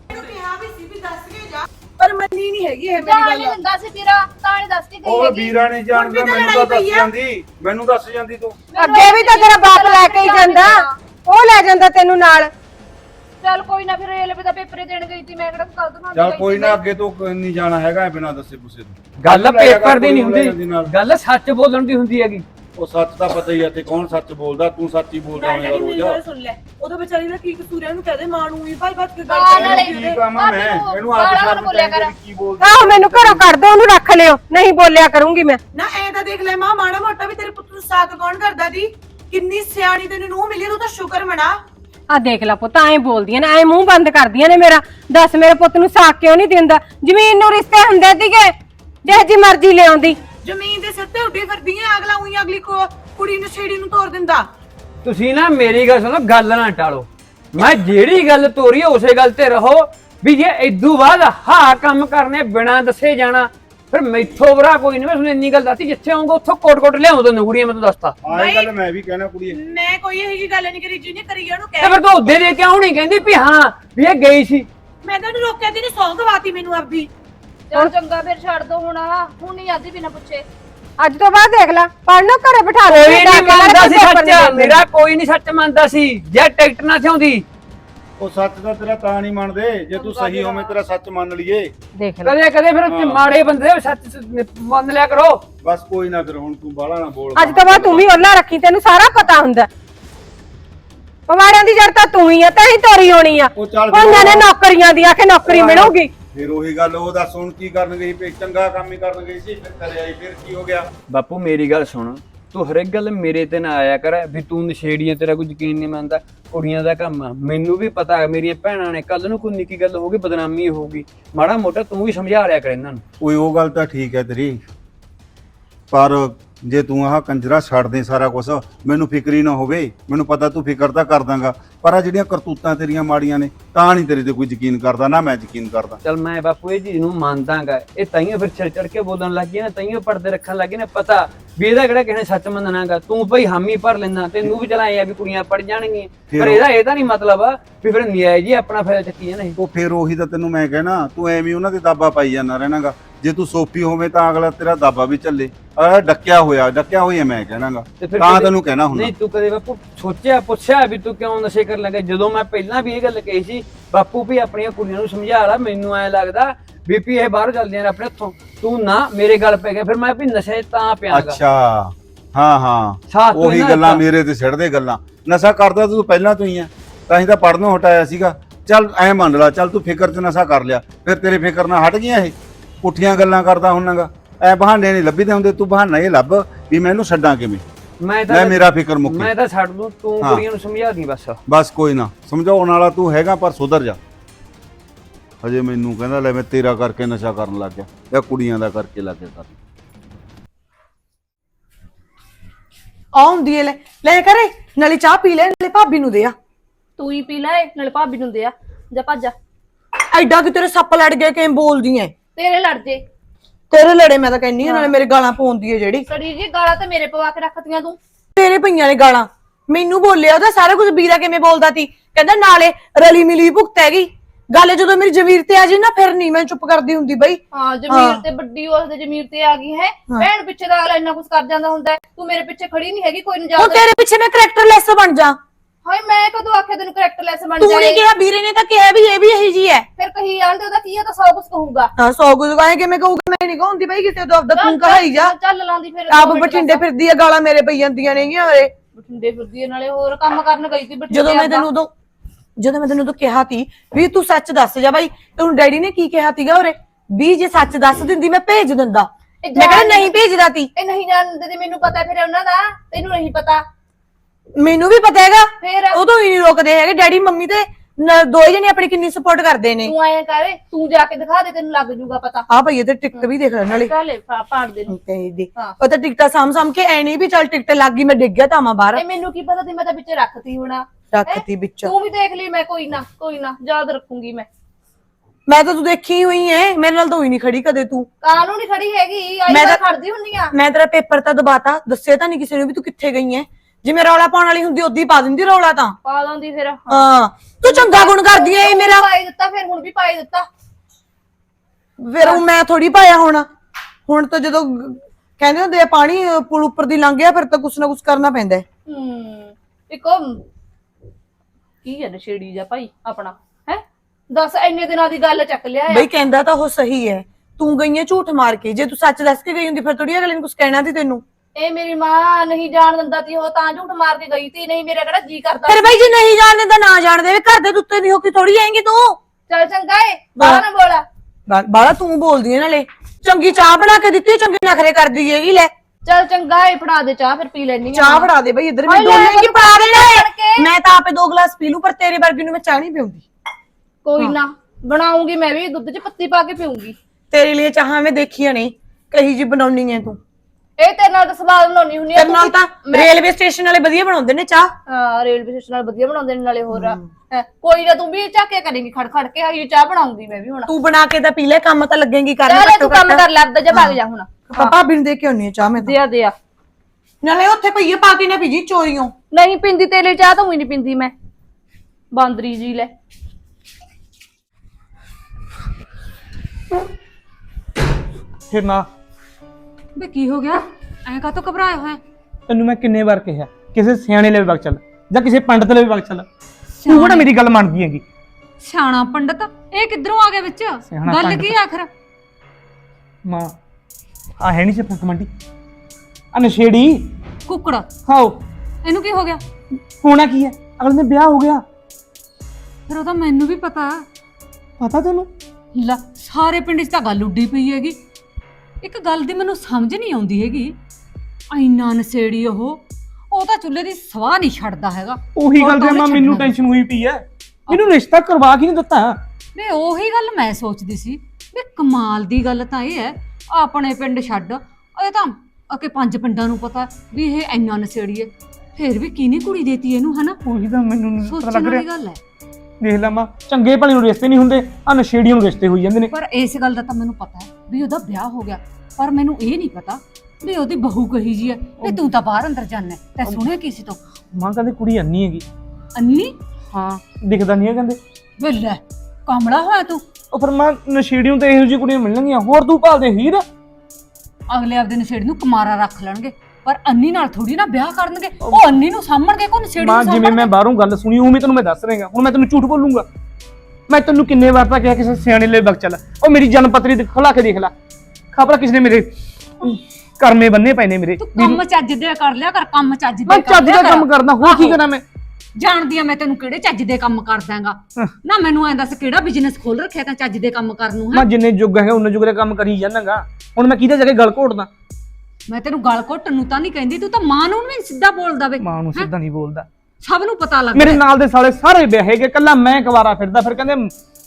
D: ਪਰ ਮੰਨੀ ਨਹੀਂ ਹੈਗੀ ਇਹ
C: ਜਾਣ
D: ਮੇਰੀ
C: ਨਹੀਂ
D: ਗੱਲ
C: ਦਿੰਦਾ ਸੀ ਵੀਰਾ ਤਾਂ ਨਹੀਂ ਦੱਸਦੀ ਗਈ
E: ਉਹ
C: ਹੈਗੀ
E: ਵੀਰਾ ਨੇ ਜਾਣਦਾ ਮੈਨੂੰ ਤਾਂ ਦੱਸ ਜਾਂਦੀ ਮੈਨੂੰ ਦੱਸ ਜਾਂਦੀ ਤੂੰ
B: ਅੱਗੇ ਵੀ ਤਾਂ ਤੇਰਾ ਬਾਪ ਲੈ ਕੇ ਹੀ ਜਾਂਦਾ ਉਹ ਲੈ ਜਾਂਦਾ ਤੈਨੂੰ ਨਾਲ।
C: ਚੱਲ ਕੋਈ ਨਾ ਫਿਰ ਰੇਲਵੇ ਦਾ ਪੇਪਰ ਦੇਣ ਗਈ ਸੀ ਮੈਂ ਕਿਹੜਾ ਕੱਲ ਦਿਖਾਉਣ
E: ਚੱਲ ਕੋਈ ਨਾ ਅੱਗੇ ਤੋਂ ਨਹੀਂ ਜਾਣਾ ਹੈਗਾ ਬਿਨਾਂ ਦੱਸੇ ਪੁੱਛੇ ਤੋਂ
A: ਗੱਲ
E: ਲੈ ਜਾ
A: ਪੇਪਰ ਦੀ ਨਹੀਂ
E: ਲੈ ਜਾਂਦੀ
A: ਹੁੰਦੀ
E: ਨਾਲ।
A: ਗੱਲ ਸੱਚ ਬੋਲਣ ਦੀ ਹੁੰਦੀ ਹੈਗੀ।
E: ਉਹ ਸੱਚ ਤਾਂ ਪਤਾ ਹੀ ਹੈ ਤੇ ਕੌਣ ਸੱਚ ਬੋਲਦਾ ਤੂੰ ਸੱਚ ਹੀ ਬੋਲਦਾ ਹੋਵੇਂਗਾ
D: ਮੇਰੀ ਗੱਲ
E: ਰੋਜ਼
D: ਸੁਣ ਲੈ ਉਹਦਾ ਵਿਚਾਰੀ ਦਾ ਕੀ ਕਸੂਰ ਹੈ ਉਹਨੂੰ ਕਹਦੇ ਮਾਂ ਨੂੰ ਹੀ ਭਾਈ ਭੱਜ ਕੇ
C: ਹਾਂ,
D: ਗੱਲ
C: ਨਾਲੇ
D: ਕਰੀ
E: ਕੀ ਕੰਮ ਆ ਮੈਂ ਇਹਨੂੰ ਆਪ ਸ਼ਰਮ
C: ਬੋਲਿਆ ਕਰ।
E: ਚਾਹੀਦੀ ਕੀ ਬੋਲਦਾ
B: ਆਹੋ ਮੈਨੂੰ ਘਰੋਂ ਕੱਢ ਦੋ ਉਹਨੂੰ ਰੱਖ ਲਿਓ ਨਹੀਂ ਬੋਲਿਆ ਕਰੂੰਗੀ ਮੈਂ।
D: ਨਾ ਐ ਤਾਂ ਦੇਖ ਲੈ ਮਾਂ ਮਾੜਾ ਮੋਟਾ ਵੀ ਤੇਰੇ ਪੁੱਤ ਨੂੰ ਸਾਕ ਕੌਣ ਕਰਦਾ ਦੀ ਕਿੰਨੀ ਸਿਆਣੀ ਤੈਨੂੰ ਨੂੰਹ ਮਿਲੀ ਤੂੰ ਤਾਂ ਸ਼ੁਕਰ ਮਨਾ।
B: ਆ ਦੇਖ ਲੈ ਪੁੱਤ ਐਂ ਬੋਲਦੀਆਂ ਨੇ ਐਂ ਮੂੰਹ ਬੰਦ ਕਰਦੀਆਂ ਨੇ ਮੇਰਾ। ਦੱਸ ਮੇਰੇ ਪੁੱਤ ਨੂੰ ਸਾਕ ਕਿਉਂ ਨਹੀਂ ਦਿੰਦਾ? ਜ਼ਮੀਨ ਨੂੰ ਰਿਸ਼ਤੇ ਹੁੰਦੇ ਸੀਗੇ ਜਿਹੇ ਜੀ ਮਰਜ਼ੀ ਲਿਆਉਂਦੀ।
D: ਜ਼ਮੀਨ ਦੇ ਸਿਰ ਤੇ ਉੱਡੀ ਫਿਰਦੀ ਐ ਅਗਲਾ ਉਹੀ ਅਗਲੀ ਕੁੜੀ ਨੂੰ ਛੇੜੀ ਨੂੰ ਤੋੜ ਦਿੰਦਾ।
A: ਤੁਸੀਂ ਨਾ ਮੇਰੀ ਗੱਲ ਸੁਣੋ ਗੱਲ ਨਾ ਟਾਲੋ ਮੈਂ ਜਿਹੜੀ ਗੱਲ ਤੋਰੀ ਉਸੇ ਗੱਲ ਤੇ ਰਹੋ ਵੀ ਜੇ ਇਦੋਂ ਬਾਅਦ ਹਾਂ ਕੰਮ ਕਰਨੇ ਬਿਨਾਂ ਦੱਸੇ ਜਾਣਾ ਫਿਰ ਮੈਥੋਂ ਬਰਾ ਕੋਈ ਨਹੀਂ। ਮੈਂ ਤੁਹਾਨੂੰ ਇੰਨੀ ਗੱਲ ਦੱਸੀ ਜਿੱਥੇ ਆਉਂਗਾ ਉੱਥੋਂ ਕੋਟ ਲਿਆਉਂ ਤੈਨੂੰ ਕੁੜੀਆਂ ਮੈਂ ਤੁਹਾਨੂੰ ਦੱਸਤਾ
E: ਆਹ ਗੱਲ ਮੈਂ ਵੀ ਕਹਿਣਾ ਕੁੜੀਏ
D: ਮੈਂ ਕੋਈ ਇਹੋ ਜਿਹੀ ਗੱਲ ਨਹੀਂ ਕਰੀ ਜਿਹਨੇ ਕਰੀ ਉਹਨੂੰ
A: ਤੇ
D: ਕਹਿ।
A: ਫਿਰ ਤੂੰ ਉਹਦੇ ਦੇ ਕਿਉਂ ਨਹੀਂ ਕਹਿੰਦੀ ਵੀ ਹਾਂ ਵੀ ਇਹ ਗਈ ਸੀ?
D: ਮੈਂ ਤੈਨੂੰ ਰੋਕਿਆ ਦੀ ਨਹੀਂ ਸੌਂ ਗਵਾਤੀ ਮੈਨੂੰ ਆਪਦੀ।
C: ਚੱਲ ਚੰਗਾ ਫਿਰ ਛੱਡ ਦੋ ਹੁਣ ਨਹੀਂ ਆਦੀ ਬਿਨਾ ਪੁੱਛੇ।
B: ਅੱਜ ਤੋਂ ਬਾਅਦ ਦੇਖ ਲੈ ਪੜਨੋਂ ਘਰੇ ਬਿਠਾ ਲੈ
A: ਕੋਈ ਨਹੀਂ ਮੰਨਦਾ ਸੀ ਸੱਚ ਮੇਰਾ ਕੋਈ ਨਹੀਂ ਸੱਚ ਮੰਨਦਾ ਸੀ ਜੇ ਟਿਕਟ ਨਾ ਥਿਉਂਦੀ।
E: ਉਹ ਸੱਚ ਤਾਂ ਤੇਰਾ ਤਾਂ ਨਹੀਂ ਮੰਨਦੇ ਜੇ ਤੂੰ ਸਹੀ ਹੋਵੇਂ ਤੇਰਾ ਸੱਚ ਮੰਨ ਲਈਏ।
B: ਦੇਖ ਲੈ
A: ਕਦੇ ਕਦੇ ਫਿਰ ਮਾੜੇ ਬੰਦੇ ਦੇ ਸੱਚ ਮੰਨ ਲਿਆ ਕਰੋ।
E: ਬਸ ਕੋਈ ਨਾ ਫਿਰ ਹੁਣ ਤੂੰ ਬਾਹਲਾ ਨਾ ਬੋਲ
B: ਅੱਜ ਤੋਂ ਬਾਅਦ ਤੂੰ ਵੀ ਉਹਨਾਂ ਰੱਖੀ ਤੈਨੂੰ ਸਾਰਾ ਪਤਾ ਹੁੰਦਾ। ਪਵਾੜਿਆਂ ਦੀ ਜੜ ਤਾਂ ਤੂੰ ਹੀ ਆ ਤਾਂ ਹੀ ਤੋਰੀ ਹੋਣੀ ਆ।
E: ਉਹ ਚੱਲ
B: ਉਹਨਾਂ ਨੇ ਨੌਕਰੀਆਂ ਦੀ ਆਖੇ ਨੌਕਰੀ ਮਿਲੂਗੀ।
E: ਫਿਰ ਉਹੀ ਗੱਲ ਉਹ ਦੱਸ ਹੁਣ ਕੀ ਕਰਨ ਗਈ ਪੇ ਚੰਗਾ ਕੰਮ ਹੀ ਕਰਨ ਗਈ ਸੀ ਫਿਰ ਕਰਿਆ ਹੀ ਫਿਰ ਕੀ ਹੋ ਗਿਆ।
A: ਬਾਪੂ ਮੇਰੀ ਗੱਲ ਸੁਣ ਤੂੰ ਹਰ ਇੱਕ ਗੱਲ ਮੇਰੇ ਤੇ ਨਾ ਆਇਆ ਕਰ ਵੀ ਤੂੰ ਨਸ਼ੇੜੀਆਂ ਤੇਰਾ ਕੋਈ ਯਕੀਨ ਨਹੀਂ ਮੰਨਦਾ। ਕੁੜੀਆਂ ਦਾ ਕੰਮ ਆ ਮੈਨੂੰ ਵੀ ਪਤਾ ਹੈ ਮੇਰੀਆਂ ਭੈਣਾਂ ਨੇ ਕੱਲ ਨੂੰ ਕੋਈ ਨਿੱਕੀ ਗੱਲ ਹੋਊਗੀ ਬਦਨਾਮੀ ਹੋਊਗੀ ਮਾੜਾ ਮੋਟਾ ਤੂੰ ਵੀ ਸਮਝਾ ਲਿਆ ਕਰ ਇਹਨਾਂ ਨੂੰ।
E: ਓਏ ਉਹ ਗੱਲ ਤਾਂ ਠੀਕ ਹੈ ਤੇਰੀ ਪਰ ਜੇ ਤੂੰ ਆਹ ਕੰਜਰਾ ਛੱਡ ਦੇ ਸਾਰਾ ਕੁਝ ਮੈਨੂੰ ਫਿਕਰ ਹੀ ਨਾ ਹੋਵੇ। ਮੈਨੂੰ ਪਤਾ ਤੂੰ ਫਿਕਰ ਤਾਂ ਕਰ ਦਾਂਗਾ ਪਰ ਆ ਜਿਹੜੀਆਂ ਕਰਤੂਤਾਂ ਤੇਰੀਆਂ ਮਾੜੀਆਂ ਨੇ ਤਾਂ ਨਹੀਂ ਤੇਰੇ ਤੇ ਕੋਈ ਯਕੀਨ ਕਰਦਾ ਨਾ ਮੈਂ ਯਕੀਨ ਕਰਦਾ।
A: ਚਲ ਮੈਂ ਬਾਪੂ ਇਹ ਚੀਜ਼ ਨੂੰ ਮੰਨਦਾਗਾ ਇਹ ਤਾਈਓ ਫਿਰ ਚੜ ਚੜ ਕੇ ਬੋਲਣ ਲੱਗ ਗਈ ਨਾ ਤਾਈਓ ਪਰਦੇ ਰੱਖਣ ਲੱਗ ਗਈ ਨਾ ਪਤਾ ਵੀ ਇਹਦਾ ਕਿਹੜਾ ਕਿਸੇ ਨੇ ਸੱਚ ਮੰਨਣਾਗਾ। ਤੂੰ ਭਾਈ ਹਾਮੀ ਭਰ ਲੈਂਦਾ ਤੈਨੂੰ ਵੀ ਚਲਾਏ ਆ ਵੀ ਕੁੜੀਆਂ ਪੜ ਜਾਣਗੀਆਂ ਪਰ ਇਹ ਤਾਂ ਨਹੀਂ ਮਤਲਬ ਆ ਵੀ ਫਿਰ ਨਿਆਇ ਜੀ ਆਪਣਾ ਫਾਇਦਾ ਚੱਕੀ ਜਾਣਾ।
E: ਉਹ ਫਿਰ ਉਹੀ ਤਾਂ ਤੈਨੂੰ ਮੈਂ ਕਹਿਣਾ ਤੂੰ ਐਵੇਂ ਉਹਨਾਂ ਦੇ ਦਾਬਾ ਪਾਈ ਜਾਂਦਾ ਰਹਿਣਾਗਾ। ਜੇ ਤੂੰ ਸੋਪੀ ਹੋਵੇਂ ਤਾਂ ਅਗਲਾ ਤੇਰਾ ਦਾਬਾ ਵੀ ਚੱਲੇ। ਡੱਕਿਆ ਹੋਇਆ ਮੈਂ ਕਹਿਣਾਗਾ ਤਾਂ ਤੈਨੂੰ ਕਹਿਣਾ ਹੁੰਦਾ।
A: ਨਹੀਂ ਤੂੰ ਕਦੇ ਬਾਪੂ ਸੋਚਿਆ ਪੁੱਛਿਆ ਵੀ ਤੂੰ ਕਿਉਂ ਨਸ਼ੇ ਕਰਨ ਲੱਗਾ? ਜਦੋਂ ਮੈਂ ਪਹਿਲਾਂ ਵੀ ਇਹ ਗੱਲ ਕਹੀ ਸੀ ਬਾਪੂ ਵੀ ਆਪਣੀਆਂ ਕੁੜੀਆਂ ਨੂੰ ਸਮਝਾ ਲਾ ਮੈਨੂੰ ਐ ਲੱਗਦਾ ਬੀਪੀ ਇਹ ਬਾਹਰ ਚੱਲਦੀਆਂ ਨੇ ਆਪਣੇ ਹੱਥੋਂ ਤੂੰ ਨਾ ਮੇਰੇ ਗੱਲ ਪੈ ਗਿਆ ਫਿਰ ਮੈਂ ਵੀ ਨਸ਼ੇ ਤਾਂ ਪਿਆਗਾ।
E: ਅੱਛਾ ਹਾਂ
A: ਸਾਥ ਤੋਂ
E: ਉਹੀ
A: ਨਾ
E: ਗੱਲਾਂ
A: ਦਿੱਤਾ।
E: ਮੇਰੇ ਤੇ ਛੱਡਦੇ ਗੱਲਾਂ। ਨਸ਼ਾ ਕਰਦਾ ਤੂੰ ਪਹਿਲਾਂ ਤੋਂ ਹੀ ਆ ਤਾਂ ਹੀ ਤਾਂ ਪੜਨੋਂ ਹਟਾਇਆ ਸੀਗਾ। ਚੱਲ ਐ ਮੰਨ ਲਾ ਚੱਲ ਤੂੰ ਫਿਕਰ 'ਚ ਨਸ਼ਾ ਕਰ ਲਿਆ ਫਿਰ ਤੇਰੇ ਫਿਕਰ ਨਾਲ ਹਟ ਗਈਆਂ ਇਹ ਪੁੱਠੀਆਂ ਗੱਲਾਂ ਕਰਦਾ ਹੁੰਨਾਗਾ। ਐ ਬਹਾਨੇ ਨਹੀਂ ਲੱਭੀਦੇ ਹੁੰਦੇ ਤੂੰ ਬਹਾਨਾ ਇਹ ਲੱਭ ਵੀ ਮੈਨੂੰ ਛੱਡਾਂ ਕਿਵੇਂ ਮੈਂ ਮੇਰਾ ਫਿਕਰ ਮੁੱਕੇ।
A: ਮੈਂ ਤਾਂ ਛੱਡ ਦੂੰ ਤੂੰ ਕੁੜੀਆਂ ਨੂੰ ਸਮਝਾ ਦੀ
E: ਬਸ ਕੋਈ ਨਾ ਸਮਝਾਉਣ ਵਾਲਾ ਤੂੰ ਹੈਗਾ ਪਰ ਸੁਧਰ ਜਾ। ਹਜੇ ਮੈਨੂੰ ਕਹਿੰਦਾ ਲੈ ਮੈਂ ਤੇਰਾ ਕਰਕੇ ਨਸ਼ਾ ਕਰਨ ਲੱਗ ਗਿਆ ਜਾਂ ਕੁੜੀਆਂ ਦਾ ਕਰਕੇ ਲੱਗ ਗਿਆ ਕਰਨ।
D: ਆਉਂਦੀ ਐ ਲੈ ਕਰੇ ਨਾਲੇ ਚਾਹ ਪੀ ਲੈ ਨਾਲੇ ਭਾਬੀ ਨੂੰ ਦੇ ਆ।
C: ਤੂੰ ਹੀ ਪੀ ਲੈ ਨਾਲੇ ਭਾਬੀ ਨੂੰ ਦੇ ਆ ਜਾ ਭੱਜ ਜਾ।
D: ਐਡਾ ਕਿ ਤੇਰੇ ਸੱਪ ਲੜ ਗਏ ਕਿਵੇਂ ਬੋਲਦੀ ਐ?
C: ਤੇਰੇ ਲੜ ਜੇ
D: ਤੇਰੇ ਲੜੇ ਮੈਂ ਤਾਂ ਕਹਿੰਨੀ ਆ ਨਾਲੇ ਮੇਰੇ ਗਾਲਾਂ ਪਾਉਂਦੀ ਐ ਜਿਹੜੀ।
C: ਸੜੀ ਜੀ ਗਾਲਾਂ ਤੇ ਮੇਰੇ ਪਵਾ ਕੇ ਰੱਖਤੀਆਂ ਤੂੰ।
D: ਤੇਰੇ ਪਈਆਂ ਨੇ ਗਾਲਾਂ ਮੈਨੂੰ ਬੋਲਿਆ ਉਹਦਾ ਸਾਰਾ ਕੁਝ। ਵੀਰਾ ਕਿਵੇਂ ਬੋਲਦਾ ਸੀ ਕਹਿੰਦਾ ਨਾਲੇ ਰਲੀ ਮਿਲੀ ਭੁਗਤ ਹੈਗੀ ਗੱਲ। ਜਦੋਂ ਮੇਰੀ ਜ਼ਮੀਰ ਤੇ ਆ ਜੀ ਨਾ ਫਿਰ ਨਹੀਂ ਮੈਂ ਚੁੱਪ ਕਰਦੀ ਹੁੰਦੀ ਬਈ।
C: ਹਾਂ ਜ਼ਮੀਰ ਤੇ ਵੱਡੀ ਉਸਦੇ ਜ਼ਮੀਰ ਤੇ ਆ ਗਈ ਹੈ। ਭੈਣ ਪਿੱਛੇ ਦਾ ਅਗਲਾ ਇੰਨਾ ਕੁਝ ਕਰ ਜਾਂਦਾ ਹੁੰਦਾ ਤੂੰ ਮੇਰੇ ਪਿੱਛੇ ਖੜੀ ਨਹੀਂ ਹੈਗੀ ਕੋਈ ਨਹੀਂ
D: ਉਹ ਤੇਰੇ ਪਿੱਛੇ ਮੈਂ ਕਰੈਕਟਰਲੈਸ ਬਣ ਜਾ।
C: ਹਾਏ ਮੈਂ ਕਦੋਂ ਆਖਿਆ ਤੈਨੂੰ ਕਰੈਕਟਰਲੈਸ ਬਣ
D: ਤੂੰ
C: ਜਾਏ?
D: ਨਹੀਂ ਕਿਹਾ ਵੀਰੇ ਨੇ ਤਾਂ ਕਿਹਾ ਵੀ ਇਹ ਵੀ ਇਹੀ ਜੀ ਹੈ।
C: ਫਿਰ ਕਹੀ ਜਾਂਦੇ ਉਹਦਾ ਕੀ ਹੈ ਤਾਂ ਸੌ ਕੁਝ ਕਹੂਗਾ।
D: ਹਾਂ ਸੌ ਕੁਝ ਕਹੇ ਕਿ ਮੈਂ ਕਹੂਗਾ ਮੈਂ ਨਹੀਂ ਕਹੂੰਦੀ ਬਈ ਕਿਸੇ ਤੋਂ ਆਪਦਾ ਤੂੰ ਕਹਾਈ ਜਾ।
C: ਚੱਲ ਲਾਂਦੀ ਫਿਰ
D: ਆਪ ਬਠਿੰਡੇ ਫਿਰਦੀ ਆ ਗਾਲਾਂ ਮੇਰੇ ਪਈ ਜਾਂਦੀਆਂ ਨੇਗੀਆਂ ਓਏ।
C: ਬਠਿੰਡੇ ਫਿਰਦੀ ਨਾਲੇ ਹੋਰ ਕੰਮ ਕਰਨ ਗਈ ਸੀ ਬਠਿੰਡੇ।
D: ਜਦੋਂ ਮੈਂ ਤੈਨੂੰ ਉਦੋਂ ਕਿਹਾ ਸੀ ਵੀ ਤੂੰ ਸੱਚ ਦੱਸ ਜਾ ਬਾਈ ਤੈਨੂੰ ਡੈਡੀ ਨੇ ਕੀ ਕਿਹਾ ਸੀਗਾ ਉਰੇ ਵੀ ਜੇ ਸੱਚ ਦੱਸ ਦਿੰਦੀ ਮੈਂ ਭੇਜ ਦਿੰਦਾ। ਮੈਂ ਕਹਿੰਦਾ ਨਹੀਂ ਭੇਜਦਾ ਤੀ।
C: ਇਹ ਨਹੀਂ ਜਾਣਦੇ ਤੇ ਮੈਨੂੰ ਪਤਾ ਫਿਰ ਉਹਨਾਂ ਦਾ ਤੈਨੂੰ ਨਹੀਂ ਪਤਾ।
D: ਮੈਨੂੰ ਵੀ ਪਤਾ ਹੈਗਾ
C: ਫਿਰ
D: ਉਦੋਂ ਹੀ ਨਹੀਂ ਰੋਕਦੇ ਹੈਗੇ ਡੈਡੀ ਮੰਮੀ ਤੇ ਦੋਏ ਜਣੇ ਆਪਣੀ ਕਿੰਨੀ ਸਪੋਰਟ ਕਰਦੇ ਨੇ।
C: ਤੂੰ ਆਇਆ ਕਰ ਤੂੰ ਜਾ ਕੇ ਦਿਖਾ ਦੇ ਤੈਨੂੰ ਲੱਗ ਜੂਗਾ ਪਤਾ।
D: ਆ ਭਈ ਤੇ ਟਿਕਟ ਵੀ ਦੇਖ ਲੈ ਨਾਲੇ
C: ਚੱਲ ਪਾੜ ਦੇ ਨੂੰ।
D: ਉਹ ਤਾਂ ਟਿਕਟਾਂ ਸਾਮ ਕੇ ਐ ਨਹੀਂ ਵੀ ਚੱਲ ਟਿਕਟ ਲੱਗ ਗਈ ਮੈਂ ਡਿੱਗ ਗਿਆ ਤਾਂ ਬਾਹਰ
C: ਇਹ ਮੈਨੂੰ ਕੀ ਪਤਾ ਸੀ ਮੈਂ ਤਾਂ ਵਿੱਚ ਰੱਖਤੀ ਹੋਣਾ।
D: ਰੱਖਤੀ ਵਿੱਚ।
C: ਤੂੰ ਵੀ ਦੇਖ ਲਈ ਮੈਂ ਕੋਈ ਨਾ ਯਾਦ ਰੱਖੂੰਗੀ ਮੈਂ।
D: ਮੈਂ ਤਾਂ ਤੂੰ ਦੇਖੀ ਹੋਈ ਐ, ਮੇਰੇ ਨਾਲ ਤਾਂ ਹੋਈ ਨਹੀਂ ਖੜੀ ਕਦੇ ਤੂੰ।
C: ਕਾਹਨੂੰ ਨਹੀਂ ਖੜੀ ਹੈਗੀ, ਆਈ
D: ਮੈਂ
C: ਵਾਰ
D: ਤਾਂ-
C: ਖੜਦੀ ਹੁੰਨੀ ਆ।
D: ਮੈਂ ਤੇਰਾ ਪੇਪਰ ਤਾਂ ਦਬਾਤਾ, ਦੱਸਿਆ ਤਾਂ ਨਹੀਂ ਕਿਸੇ ਨੂੰ ਵੀ ਤੂੰ ਕਿੱਥੇ ਗਈ ਐ। ਜਿਵੇਂ ਰੌਲਾ ਪਾਉਣ ਵਾਲੀ ਹੁੰਦੀ ਉਦੋਂ ਹੀ ਪਾ ਦਿੰਦੀ ਰੌਲਾ ਤਾਂ।
C: ਪਾ ਦਾਂਦੀ ਫਿਰ।
D: ਹਾਂ ਤੂੰ ਚੰਗਾ ਗੁਣ ਕਰਦੀ ਐ ਮੇਰਾ।
C: ਪਾਈ ਦਿੱਤਾ ਫਿਰ, ਹੁਣ ਵੀ ਪਾਈ ਦਿੱਤਾ।
D: ਫਿਰ ਉਹ ਮੈਂ ਥੋੜੀ ਪਾਇਆ ਹੁਣ ਤਾਂ ਜਦੋਂ ਕਹਿੰਦੇ ਹੁੰਦੇ ਆ ਪਾਣੀ ਪੁਲ ਉੱਪਰ ਦੀ ਲੰਘ ਗਿਆ ਫਿਰ ਤਾਂ ਕੁਛ ਨਾ ਕੁਛ ਕਰਨਾ ਪੈਂਦਾ ਹੈ।
C: ਇੱਕ ਕੀ ਹੈ ਨਸ਼ੇੜੀ ਜਾ ਭਾਈ ਆਪਣਾ ਹੈ। ਦੱਸ ਇੰਨੇ ਦਿਨਾਂ ਦੀ ਗੱਲ ਚੱਕ ਲਿਆ ਆ।
D: ਬਈ ਕਹਿੰਦਾ ਤਾਂ ਉਹ ਸਹੀ ਹੈ, ਤੂੰ ਗਈ ਹੈ ਝੂਠ ਮਾਰ ਕੇ। ਜੇ ਤੂੰ ਸੱਚ ਦੱਸ ਕੇ ਗਈ ਹੁੰਦੀ ਫਿਰ ਥੋੜੀ ਅਗਲੇ ਨੇ ਕੁਛ ਕਹਿਣਾ ਸੀ ਤੈਨੂੰ।
C: ਇਹ ਮੇਰੀ ਮਾਂ ਨਹੀਂ ਜਾਣ ਦਿੰਦਾ ਤੀ, ਉਹ ਤਾਂ ਝੂਠ ਮਾਰ ਕੇ ਗਈ ਤੀ। ਨਹੀਂ ਮੇਰਾ ਕਿਹੜਾ ਜੀ ਕਰਦਾ।
D: ਫਿਰ ਬਈ ਜੇ ਨਹੀਂ ਜਾਣ ਦਿੰਦਾ ਨਾ ਜਾਣ ਦੇਵੇ, ਘਰ ਦੇ ਉੱਤੇ ਨਹੀਂ ਹੋ ਕੇ ਥੋੜੀ ਆਏਂਗੀ ਤੂੰ।
C: ਚੱਲ ਚੰਗਾ ਏ, ਬਾਹਰ ਨਾ ਬੋਲਾ।
D: ਬਾਲਾ ਤੂੰ ਬੋਲਦੀ ਹੈ ਨਾਲੇ। ਚੰਗੀ ਚਾਹ ਬਣਾ ਕੇ ਦਿੱਤੀ, ਚੰਗੇ ਨਖਰੇ ਕਰਦੀ ਹੈਗੀ। ਲੈ
C: ਚੱਲ ਚੰਗਾ ਏ, ਫੜਾ ਦੇ ਚਾਹ, ਫਿਰ ਪੀ ਲੈਣੀ ਆ।
D: ਚਾਹ ਫੜਾ ਦੇ ਬਈ, ਇੱਧਰ ਵੀ
C: ਹਾਏ ਲੈ,
D: ਦੋਨੇ ਕੀ ਫੜਾ ਦੇ
C: ਕਰਕੇ।
D: ਮੈਂ ਤਾਂ ਆਪੇ 2 ਗਲਾਸ ਪੀ ਲੂ, ਪਰ ਤੇਰੇ ਵਰਗੀ ਨੂੰ ਮੈਂ ਚਾਹ ਨਹੀਂ ਪੀਉਂਦੀ।
C: ਕੋਈ ਨਾ ਬਣਾਉਂਗੀ, ਮੈਂ ਵੀ ਦੁੱਧ 'ਚ ਪੱਤੀ ਪਾ ਕੇ ਪੀਉਂਗੀ।
D: ਤੇਰੇ ਲਈ ਚਾਹਾਂ ਮੈਂ ਦੇਖੀਆਂ ਨਹੀਂ, ਕਹੀ ਜੀ ਬਣਾਉਣੀ ਹੈ ਤੂੰ।
C: ਇਹ ਤੇਰੇ ਨਾਲ ਤਾਂ ਸਵਾਦ ਬਣਾਉਣੀ ਹੁੰਨੀ ਆ।
D: ਤੇਰੇ ਨਾਲ ਤਾਂ ਰੇਲਵੇ ਸਟੇਸ਼ਨ ਵਾਲੇ ਵਧੀਆ ਬਣਾਉਂਦੇ ਨੇ ਚਾਹ।
C: ਹਾਂ ਰੇਲਵੇ ਸਟੇਸ਼ਨ ਨਾਲ ਵਧੀਆ ਬਣਾਉਂਦੇ ਨੇ ਨਾਲੇ ਹੋਰ। ਕੋਈ ਨਾ ਤੂੰ ਵੀ ਝਾਕੇ ਕਰੇਂਗੀ ਖੜ ਖੜ ਕੇ। ਆਈ ਚਾਹ ਬਣਾਉਂਗੀ ਮੈਂ ਵੀ ਹੁਣ।
D: ਤੂੰ ਬਣਾ ਕੇ ਤਾਂ ਪੀ ਲੈ, ਕੰਮ ਤਾਂ ਲੱਗੇਗੀ ਕਰਨ।
C: ਚੱਲ ਤੂੰ ਕੰਮ ਕਰ ਲੈ, ਅੱਧਾ ਜਾ ਭੱਗ ਜਾ ਹੁਣ।
D: ਭਾਬੀ ਨੂੰ ਦੇ ਕੇ ਆਉਣੀ ਆ ਚਾਹ ਮੈਂ ਤਾਂ।
C: ਦਿਆ ਦਿਆ
D: ਨਾਲੇ ਉੱਥੇ ਪਈਏ ਪਾ ਕੇ ਨਾ ਪੀਜੀ ਚੋਰੀਆਂ।
C: ਨਹੀਂ ਪਿੰਦੀ ਤੇਰੇ ਚਾਹ ਤਾਂ ਉਹੀ ਨਹੀਂ ਪਿੰਦੀ ਮੈਂ, ਬਾਂਦਰੀ ਜੀ ਲੈ।
G: ਫਿਰ ਨਾ
B: ਬੇ ਕੀ ਹੋ ਗਿਆ, ਐਂ ਕਾਹਤੋਂ ਘਬਰਾਇਆ ਹੋਇਆ?
G: ਤੈਨੂੰ ਮੈਂ ਕਿੰਨੇ ਵਾਰ ਕਿਹਾ ਕਿਸੇ ਸਿਆਣੇ ਲਈ ਵਗ ਚੱਲ ਜਾਂ ਕਿਸੇ ਪੰਡਤ ਲਈ ਵਗ ਚੱਲ, ਤੂੰ ਕਿਹੜਾ ਮੇਰੀ ਗੱਲ ਮੰਨਦੀ ਹੈਗੀ।
B: ਸਿਆਣਾ ਪੰਡਤ ਇਹ ਕਿੱਧਰੋਂ ਆ ਗਿਆ ਵਿੱਚ?
G: ਸਿਆਣਾ
B: ਗੱਲ
G: ਪੰਡਤ।
B: ਕੀ ਆਖਰ?
G: ਮਾਂ ਆ ਹੈ ਨਹੀਂ ਸੀ ਪੁੱਤ ਮੰਡੀ ਆ ਨਸ਼ੇੜੀ।
B: ਕੁੱਕੜ
G: ਹਾਓ
B: ਇਹਨੂੰ ਕੀ ਹੋ ਗਿਆ?
G: ਹੋਣਾ ਕੀ ਹੈ, ਅਗਲੇ ਨੇ ਵਿਆਹ ਹੋ ਗਿਆ।
B: ਫਿਰ ਉਹ ਤਾਂ ਮੈਨੂੰ ਵੀ ਪਤਾ।
G: ਪਤਾ ਤੈਨੂੰ?
B: ਲੈ ਸਾਰੇ ਪਿੰਡ 'ਚ ਤਾਂ ਗੱਲ ਉੱਡੀ ਪਈ ਹੈਗੀ। ਇੱਕ ਗੱਲ ਦੀ ਮੈਨੂੰ ਸਮਝ ਨਹੀਂ ਆਉਂਦੀ ਹੈਗੀ, ਇੰਨਾ ਨਸ਼ੇੜੀ ਉਹ ਤਾਂ ਚੁੱਲ੍ਹੇ ਦੀ ਸਵਾਹ ਨਹੀਂ ਛੱਡਦਾ ਹੈਗਾ।
G: ਉਹੀ
B: ਹੋਰ
G: ਗੱਲ
B: ਤਾਂ
G: ਤੇ ਮਾਂ
B: ਉਹਨੇ
G: ਮੈਨੂੰ
B: ਛੱਡਣਾ
G: ਟੈਨਸ਼ਨ ਹੋਈ ਪਈ ਹੈ, ਮੈਨੂੰ ਰਿਸ਼ਤਾ ਕਰਵਾ ਕੇ ਨਹੀਂ ਦਿੱਤਾ।
B: ਵੇ ਉਹੀ ਗੱਲ ਮੈਂ ਸੋਚਦੀ ਸੀ ਵੀ ਕਮਾਲ ਦੀ ਗੱਲ ਤਾਂ ਇਹ ਹੈ, ਆਪਣੇ ਪਿੰਡ ਛੱਡ ਇਹ ਤਾਂ ਅਕੇ 5 ਪਿੰਡਾਂ ਨੂੰ ਪਤਾ ਵੀ ਇਹ ਇੰਨਾ ਨਸ਼ੇੜੀ ਹੈ, ਫਿਰ ਵੀ ਕਿਹਨੇ ਕੁੜੀ ਦੇਤੀ ਇਹਨੂੰ, ਹਨਾ?
G: ਉਹੀ ਤਾਂ ਮੈਨੂੰ ਨੀ ਪਤਾ
B: ਸੋਚਣ
G: ਲੱਗ
B: ਵਾਲੀ
G: ਰਿਹਾ।
B: ਗੱਲ ਹੈ।
G: ਦੇਖ ਲੈ ਮਾਂ, ਚੰਗੇ ਭਲੇ ਨੂੰ ਰਿਸ਼ਤੇ ਨਹੀਂ ਹੁੰਦੇ, ਆ ਨਸ਼ੇੜੀਆਂ ਨੂੰ ਰਿਸ਼ਤੇ ਹੋਈ ਜਾਂਦੇ ਨੇ।
B: ਪਰ ਇਸ ਗੱਲ ਦਾ ਤਾਂ ਮੈਨੂੰ ਪਤਾ ਹੈ ਵੀ ਉਹਦਾ ਵਿਆਹ ਹੋ ਗਿਆ, ਪਰ ਮੈਨੂੰ ਇਹ ਨਹੀਂ ਪਤਾ ਵੀ ਉਹਦੀ ਬਹੂ ਕਹੀ ਜੀ ਹੈ। ਤੇ ਤੂੰ ਤਾਂ ਬਾਹਰ ਅੰਦਰ ਜਾਣਾ ਤੇ ਸੁਣਿਆ ਕਿਸੇ ਤੋਂ?
G: ਮਾਂ ਕਹਿੰਦੇ ਕੁੜੀ ਅੰਨੀ ਹੈਗੀ।
B: ਅੰਨੀ?
G: ਹਾਂ ਦਿਖਦਾ ਨਹੀਂ ਹੈ ਕਹਿੰਦੇ।
B: ਵੇ ਲੈ ਕਮਲਾ ਹੋਇਆ ਤੂੰ।
G: ਉਹ ਫਿਰ ਮਾਂ ਨਸ਼ੇੜੀਆਂ ਤੇ ਇਹੋ ਜਿਹੀ ਕੁੜੀਆਂ ਮਿਲਣਗੀਆਂ, ਹੋਰ ਤੂੰ ਭਾਲਦੇ ਹੀਰ।
B: ਅਗਲੇ ਆਪਦੇ ਨਸ਼ੇੜੀ ਨੂੰ ਕੁਮਾਰਾ ਰੱਖ ਲੈਣਗੇ, ਪਰ ਅੰਨੀ ਨਾਲ ਥੋੜੀ ਨਾ ਵਿਆਹ ਕਰਨਗੇ। ਉਹ ਅੰਨੀ ਨੂੰ ਸਾਂਭਣਗੇ, ਕੋ ਨਸ਼ੇੜੀ ਨੂੰ
G: ਮਾਂ ਜਿਵੇਂ
B: ਸਾਂਭਣਗੇ?
G: ਮੈਂ ਬਾਹਰੋਂ ਗੱਲ ਸੁਣੀ ਉਵੇਂ ਤੈਨੂੰ ਮੈਂ ਦੱਸ ਰਿਹਾਗਾ। ਹੁਣ ਮੈਂ ਤੈਨੂੰ ਝੂਠ ਬੋਲੂੰਗਾ? ਮੈਂ ਤੈਨੂੰ ਕਿੰਨੇ ਵਾਰ ਤਾਂ ਕਿਹਾ ਕਿਸੇ ਸਿਆਣੇ ਲਈ ਵਗ ਚੱਲ। ਉਹ ਮੇਰੀ ਜਨਮ ਪੱਤਰੀ ਖੁਲਾ ਕੇ ਦੇਖ ਲੈ, ਖਬਰ ਕਿਸ ਨੇ ਮੇਰੇ ਕਰਮੇ ਬੰਨੇ ਪਏ ਨੇ ਮੇਰੇ।
B: ਤੂੰ ਕੰਮ ਚੱਜ ਦੇ ਕਰ ਲਿਆ ਕਰ, ਕੰਮ ਚੱਜ ਦੇ
G: ਮੈਂ
B: ਕਰ
G: ਚੱਜ
B: ਲਿਆ
G: ਦਾ ਕੰਮ
B: ਕਰ।
G: ਕਰਦਾ, ਹੋਰ ਕੀ
B: ਆਹੋ।
G: ਕਰਾਂ ਮੈਂ?
B: ਜਾਣਦੀ ਆ ਮੈਂ ਤੈਨੂੰ ਕਿਹੜੇ ਚੱਜ ਦੇ ਕੰਮ ਕਰਦਾਂਗਾ ਨਾ। ਮੈਨੂੰ ਐਂ ਦੱਸ ਕਿਹੜਾ ਬਿਜ਼ਨਸ ਖੋਲ ਰੱਖਿਆ ਤਾਂ ਚੱਜ ਦੇ ਕੰਮ ਕਰਨ ਨੂੰ?
G: ਮੈਂ ਜਿੰਨੇ ਯੁੱਗ ਹੈ ਉਹਨੇ ਯੁੱਗ ਦੇ ਕੰਮ ਕਰੀ ਜਾਣਾਗਾ। ਹੁਣ ਮੈਂ ਕਿਹਦੇ ਜਾ ਕੇ ਗਲ ਘੋਟਦਾ?
B: ਮੈਂ ਤੈਨੂੰ ਗਲ ਘੁੱਟਣ ਨੂੰ ਤਾਂ ਨਹੀਂ ਕਹਿੰਦੀ, ਤੂੰ ਤਾਂ ਮਾਂ ਨੂੰ ਵੀ ਸਿੱਧਾ ਬੋਲਦਾ ਵੇ।
G: ਮਾਂ ਨੂੰ ਸਿੱਧਾ ਨਹੀਂ ਬੋਲਦਾ,
B: ਸਭ ਨੂੰ ਪਤਾ ਲੱਗਦਾ।
G: ਮੇਰੇ ਨਾਲ ਦੇ ਸਾਲੇ ਸਾਰੇ ਵਿਆਹੇ ਗਏ, ਕੱਲਾ ਮੈਂ ਕੁਵਾਰਾ ਫਿਰਦਾ। ਫਿਰ ਕਹਿੰਦੇ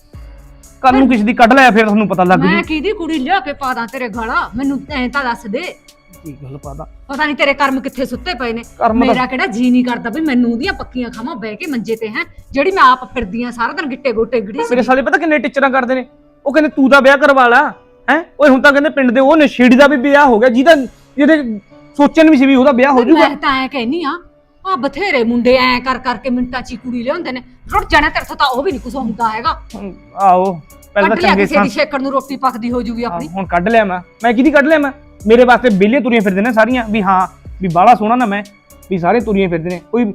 G: ਕੱਲ ਨੂੰ ਕਿਸੇ ਦੀ ਕੱਢ ਲਿਆ, ਫਿਰ ਤੁਹਾਨੂੰ ਪਤਾ ਲੱਗ ਜੂ।
B: ਮੈਂ ਕਿਹਦੀ ਕੁੜੀ ਲਿਆ ਕੇ ਪਾ ਦਾਂ ਤੇਰੇ ਗਾਲਾਂ? ਮੈਨੂੰ ਐਂ ਤਾਂ ਦੱਸ ਦੇ।
G: ਕੀ ਗੱਲ ਪਾਦਾ?
B: ਪਤਾ ਨਹੀਂ ਤੇਰੇ ਕਰਮ ਕਿੱਥੇ ਸੁੱਤੇ ਪਏ ਨੇ।
G: ਕਰਮ ਤਾਂ-
B: ਮੇਰਾ ਕਿਹੜਾ ਜੀ ਨਹੀਂ ਕਰਦਾ ਵੀ ਮੈਨੂੰ ਉਹਦੀਆਂ ਪੱਕੀਆਂ ਖਾਵਾਂ ਬਹਿ ਕੇ ਮੰਜੇ ਤੇ, ਹੈ ਜਿਹੜੀ ਮੈਂ ਆਪ ਫਿਰਦੀ ਆ ਸਾਰਾ ਦਿਨ ਗਿੱਟੇ ਗੋਟੇ ਗੜੀ।
G: ਮੇਰੇ ਸਾਲੇ ਪਤਾ ਕਿੰਨੇ ਟੀਚਰਾਂ ਕਰਦੇ ਨੇ? ਉਹ ਕਹਿੰਦੇ ਤੂੰ ਤਾਂ ਵਿਆਹ ਕਰਵਾ ਲਾ ਹੈ। ਓਏ ਹੁਣ ਤਾਂ ਕਹਿੰਦੇ ਪਿੰਡ ਦੇ ਉਹ ਨਸ਼ੇੜੀ ਦਾ ਵੀ ਵਿਆਹ ਹੋ ਗਿਆ, ਜਿਹਦੇ ਸੋਚਣ ਵੀ ਸੀ ਵੀ ਉਹਦਾ ਵਿਆਹ ਹੋ ਜਾਊਗਾ।
B: ਮੈਂ ਤਾਂ ਐ ਕਹਿਨੀ ਆ ਬਥੇਰੇ ਮੁੰਡੇ ਐ ਕਰ ਕਰਕੇ ਮਿੰਟਾਂ 'ਚ ਹੀ ਕੁੜੀ ਲਿਆਉਂਦੇ ਨੇ। ਰੁੱਟ ਜਾਣਾ ਤੇਰੇ ਤੋਂ ਤਾਂ ਉਹ ਵੀ ਨਹੀਂ ਕੁਝ ਹੁੰਦਾ ਹੈਗਾ।
G: ਆਓ ਪਹਿਲਾਂ
B: ਕੱਢ
G: ਤਾਂ
B: ਲਿਆ
G: ਚੰਗੇ
B: ਕਿਸੇ ਦੀ ਛੇਕਣ ਨੂੰ ਰੋਟੀ ਪੱਕਦੀ ਹੋ ਜੂਗੀ ਆਪਣੀ।
G: ਹੁਣ ਕੱਢ ਲਿਆ ਮੈਂ ਕਿਹਦੀ ਕੱਢ ਲਿਆ? ਮੈਂ ਮੇਰੇ ਵਾਸਤੇ ਬੇਲੀਆਂ ਤੁਰੀਆਂ ਫਿਰਦੇ ਨੇ ਸਾਰੀਆਂ, ਵੀ ਹਾਂ ਵੀ ਬਾਹਲਾ ਸੋਹਣਾ ਨਾ ਮੈਂ, ਵੀ ਸਾਰੇ ਤੁਰੀਆਂ ਫਿਰਦੇ ਨੇ। ਕੋਈ